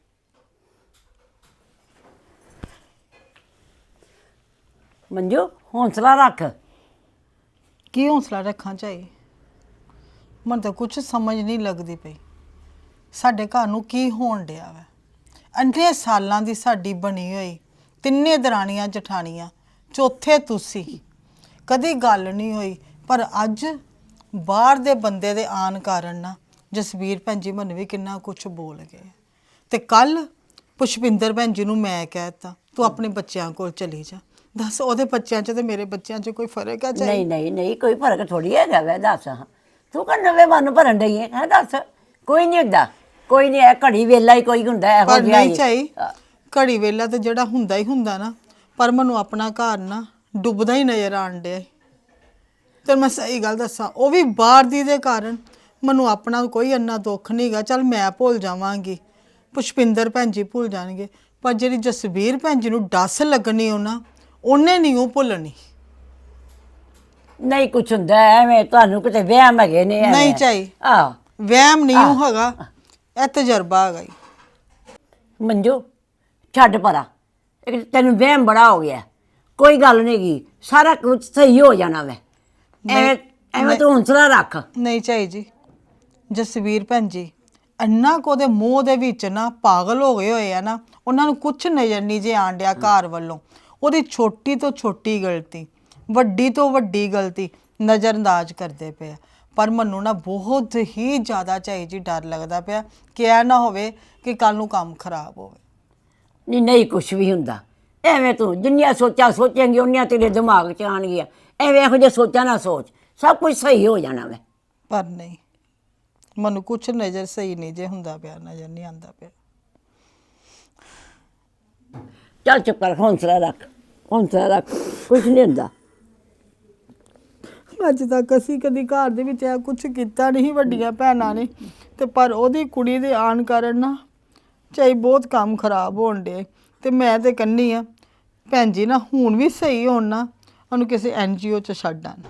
E: ਮੰਜੂ ਹੌਸਲਾ ਰੱਖ।
D: ਕੀ ਹੌਸਲਾ ਰੱਖਾਂ ਚਾਹੀ? ਮਨ ਤਾਂ ਕੁਝ ਸਮਝ ਨਹੀਂ ਲੱਗਦੀ ਪਈ ਸਾਡੇ ਘਰ ਨੂੰ ਕੀ ਹੋਣ ਡਿਆ ਵਾ। ਅੰਨੇ ਸਾਲਾਂ ਦੀ ਸਾਡੀ ਬਣੀ ਹੋਈ ਤਿੰਨੇ ਦਰਾਣੀਆਂ ਜਠਾਣੀਆਂ, ਚੌਥੇ ਤੁਸੀਂ, ਕਦੀ ਗੱਲ ਨਹੀਂ ਹੋਈ। ਪਰ ਅੱਜ ਬਾਹਰ ਦੇ ਬੰਦੇ ਦੇ ਆਣ ਕਾਰਨ ਨਾ ਜਸਵੀਰ ਭੈਣ ਜੀ ਮੈਨੂੰ ਵੀ ਕਿੰਨਾ ਕੁਝ ਬੋਲ ਗਏ। ਤੇ ਕੱਲ ਪੁਸ਼ਪਿੰਦਰ ਭੈਣ ਜੀ ਨੂੰ ਮੈਂ ਕਹਿਤਾ ਤੂੰ ਆਪਣੇ ਬੱਚਿਆਂ ਕੋਲ ਚਲੀ ਜਾ। ਦੱਸ ਉਹਦੇ ਬੱਚਿਆਂ 'ਚ ਤੇ ਮੇਰੇ ਬੱਚਿਆਂ 'ਚ ਕੋਈ ਫਰਕ ਆ ਚਾਹੀ?
E: ਨਹੀਂ ਨਹੀਂ ਨਹੀਂ ਕੋਈ ਫਰਕ ਥੋੜੀ ਹੈਗਾ ਵੈ। ਦੱਸ ਤੂੰ ਕਰ ਨਵੇਂ ਮਨ ਭਰਨ ਡਈ ਹੈ। ਦੱਸ ਕੋਈ ਨਹੀਂ ਹੁੰਦਾ, ਕੋਈ ਨਹੀਂ, ਇਹ ਘੜੀ ਵੇਲਾ ਹੀ ਕੋਈ ਹੁੰਦਾ ਇਹੋ
D: ਪਰ
E: ਜਿਹਾ
D: ਨਹੀਂ
E: ਹੀ।
D: ਚਾਹੀ ਘੜੀ ਵੇਲਾ ਤੇ ਜਿਹੜਾ ਹੁੰਦਾ ਹੀ ਹੁੰਦਾ ਨਾ, ਪਰ ਮੈਨੂੰ ਆਪਣਾ ਘਰ ਨਾ ਡੁੱਬਦਾ ਹੀ ਨਜ਼ਰ ਆਣ ਡਿਆ। ਤੇ ਮੈਂ ਸਹੀ ਗੱਲ ਦੱਸਾਂ, ਉਹ ਵੀ ਬਾਹਰ ਦੀ ਦੇ ਕਾਰਨ ਮੈਨੂੰ ਆਪਣਾ ਕੋਈ ਇੰਨਾ ਦੁੱਖ ਨਹੀਂਗਾ। ਚੱਲ ਮੈਂ ਭੁੱਲ ਜਾਵਾਂਗੀ, ਪੁਸ਼ਪਿੰਦਰ ਭੈਣ ਜੀ ਭੁੱਲ ਜਾਣਗੇ, ਪਰ ਜਿਹੜੀ ਜਸਵੀਰ ਭੈਣ ਜੀ ਨੂੰ ਡੱਸ ਲੱਗਣੀ ਉਹਨਾਂ ਉਹਨੇ ਨਹੀਂ ਉਹ ਭੁੱਲਣੀ।
E: ਨਹੀਂ ਕੁਛ ਹੁੰਦਾ ਐਵੇਂ, ਤੁਹਾਨੂੰ ਕਿਤੇ ਵਹਿਮ ਹੈਗੇ ਨੇ ਐਵੇਂ।
D: ਨਹੀਂ ਚਾਹੀ
E: ਆਹ
D: ਵਹਿਮ ਨਹੀਂ ਉਹ ਹੈਗਾ, ਇਹ ਤਜਰਬਾ ਹੈਗਾ ਈ।
E: ਮੰਜੂ ਛੱਡ ਪਰਾ, ਇੱਕ ਤੈਨੂੰ ਵਹਿਮ ਬੜਾ ਹੋ ਗਿਆ। ਕੋਈ ਗੱਲ ਨਹੀਂ ਗੀ, ਸਾਰਾ ਕੁਝ ਸਹੀ ਹੋ ਜਾਣਾ ਵੈ। ਐਵੇਂ ਐਵੇਂ ਤੂੰ ਹੌਂਸਲਾ ਰੱਖ।
D: ਨਹੀਂ ਚਾਹੀ ਜੀ, ਜਸਵੀਰ ਭੈਣ ਜੀ ਇੰਨਾ ਕੁ ਉਹਦੇ ਮੂੰਹ ਦੇ ਵਿੱਚ ਨਾ ਪਾਗਲ ਹੋ ਗਏ ਹੋਏ ਆ ਨਾ, ਉਹਨਾਂ ਨੂੰ ਕੁਛ ਨਜ਼ਰ ਨਹੀਂ ਜੇ ਆਣ ਡਿਆ ਘਰ ਵੱਲੋਂ। ਉਹਦੀ ਛੋਟੀ ਤੋਂ ਛੋਟੀ ਗਲਤੀ, ਵੱਡੀ ਤੋਂ ਵੱਡੀ ਗਲਤੀ ਨਜ਼ਰਅੰਦਾਜ਼ ਕਰਦੇ ਪਏ ਆ। ਪਰ ਮੈਨੂੰ ਨਾ ਬਹੁਤ ਹੀ ਜ਼ਿਆਦਾ ਚਾਹੀ ਜੀ ਡਰ ਲੱਗਦਾ ਪਿਆ ਕਿ ਇਹ ਨਾ ਹੋਵੇ ਕਿ ਕੱਲ ਨੂੰ ਕੰਮ ਖਰਾਬ ਹੋਵੇ।
E: ਨਹੀਂ ਨਹੀਂ ਕੁਛ ਵੀ ਹੁੰਦਾ, ਐਵੇਂ ਤੂੰ ਜਿੰਨੀਆਂ ਸੋਚਾਂ ਸੋਚੇਂਗੀ ਉਨੀਆਂ ਤੇਰੇ ਦਿਮਾਗ 'ਚ ਆਉਣਗੀਆਂ। ਐਵੇਂ ਇਹੋ ਜਿਹੇ ਸੋਚਾਂ ਨਾ ਸੋਚ, ਸਭ ਕੁਝ ਸਹੀ ਹੋ ਜਾਣਾ ਵੈ।
D: ਪਰ ਨਹੀਂ, ਮੈਨੂੰ ਕੁਛ ਨਜ਼ਰ ਸਹੀ ਨਹੀਂ ਜੇ ਹੁੰਦਾ ਪਿਆ, ਨਜ਼ਰ ਨਹੀਂ ਆਉਂਦਾ ਪਿਆ।
E: ਚੱਲ ਚੁੱਪ ਕਰ, ਹੌਂਸਲਾ ਰੱਖ, ਹੌਂਸਲਾ ਰੱਖ, ਕੁਛ ਨਹੀਂ ਹੁੰਦਾ।
D: ਅੱਜ ਤੱਕ ਅਸੀਂ ਕਦੀ ਘਰ ਦੇ ਵਿੱਚ ਇਹ ਕੁਛ ਕੀਤਾ ਨਹੀਂ ਵੱਡੀਆਂ ਭੈਣਾਂ ਨੇ, ਤੇ ਪਰ ਉਹਦੀ ਕੁੜੀ ਦੇ ਆਣ ਕਾਰਨ ਨਾ ਚਾਹੀ ਬਹੁਤ ਕੰਮ ਖਰਾਬ ਹੋਣ ਡੇ। ਤੇ ਮੈਂ ਤੇ ਕਹਿੰਦੀ ਆ ਭੈਣ ਜੀ ਨਾ ਹੁਣ ਵੀ ਸਹੀ ਹੋਣ ਨਾ, ਉਹਨੂੰ ਕਿਸੇ ਐਨ ਜੀ ਓ 'ਚ ਛੱਡ ਆਣ।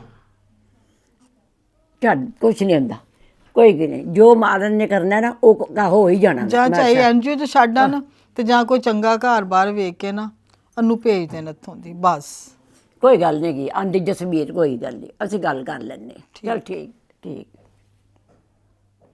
E: ਛੱਡ, ਕੁਛ ਨਹੀਂ ਹੁੰਦਾ, ਕੋਈ ਵੀ ਨਹੀਂ। ਜੋ ਮਾਰਨ ਨੇ ਕਰਨਾ ਨਾ ਉਹ ਕ- ਹੋ ਹੀ ਜਾਣਾ।
D: ਜਾਂ
E: ਮੈਂ
D: ਚਾਹੇ
E: ਕਿਹਾ,
D: ਐਨ ਜੀ ਓ 'ਚ ਛੱਡ ਆਣ, ਤੇ ਜਾਂ ਕੋਈ ਚੰਗਾ ਘਰ ਬਾਹਰ ਵੇਖ ਕੇ ਨਾ ਉਹਨੂੰ ਭੇਜ ਦੇਣ ਇੱਥੋਂ ਦੀ ਬਸ।
E: ਕੋਈ ਗੱਲ ਨਹੀਂ ਗੀ, ਆਂਦੀ ਜਸਮੀਰ ਕੋਈ ਗੱਲ ਨਹੀਂ, ਅਸੀਂ ਗੱਲ ਕਰ ਲੈਂਦੇ। ਚਲ ਠੀਕ ਠੀਕ।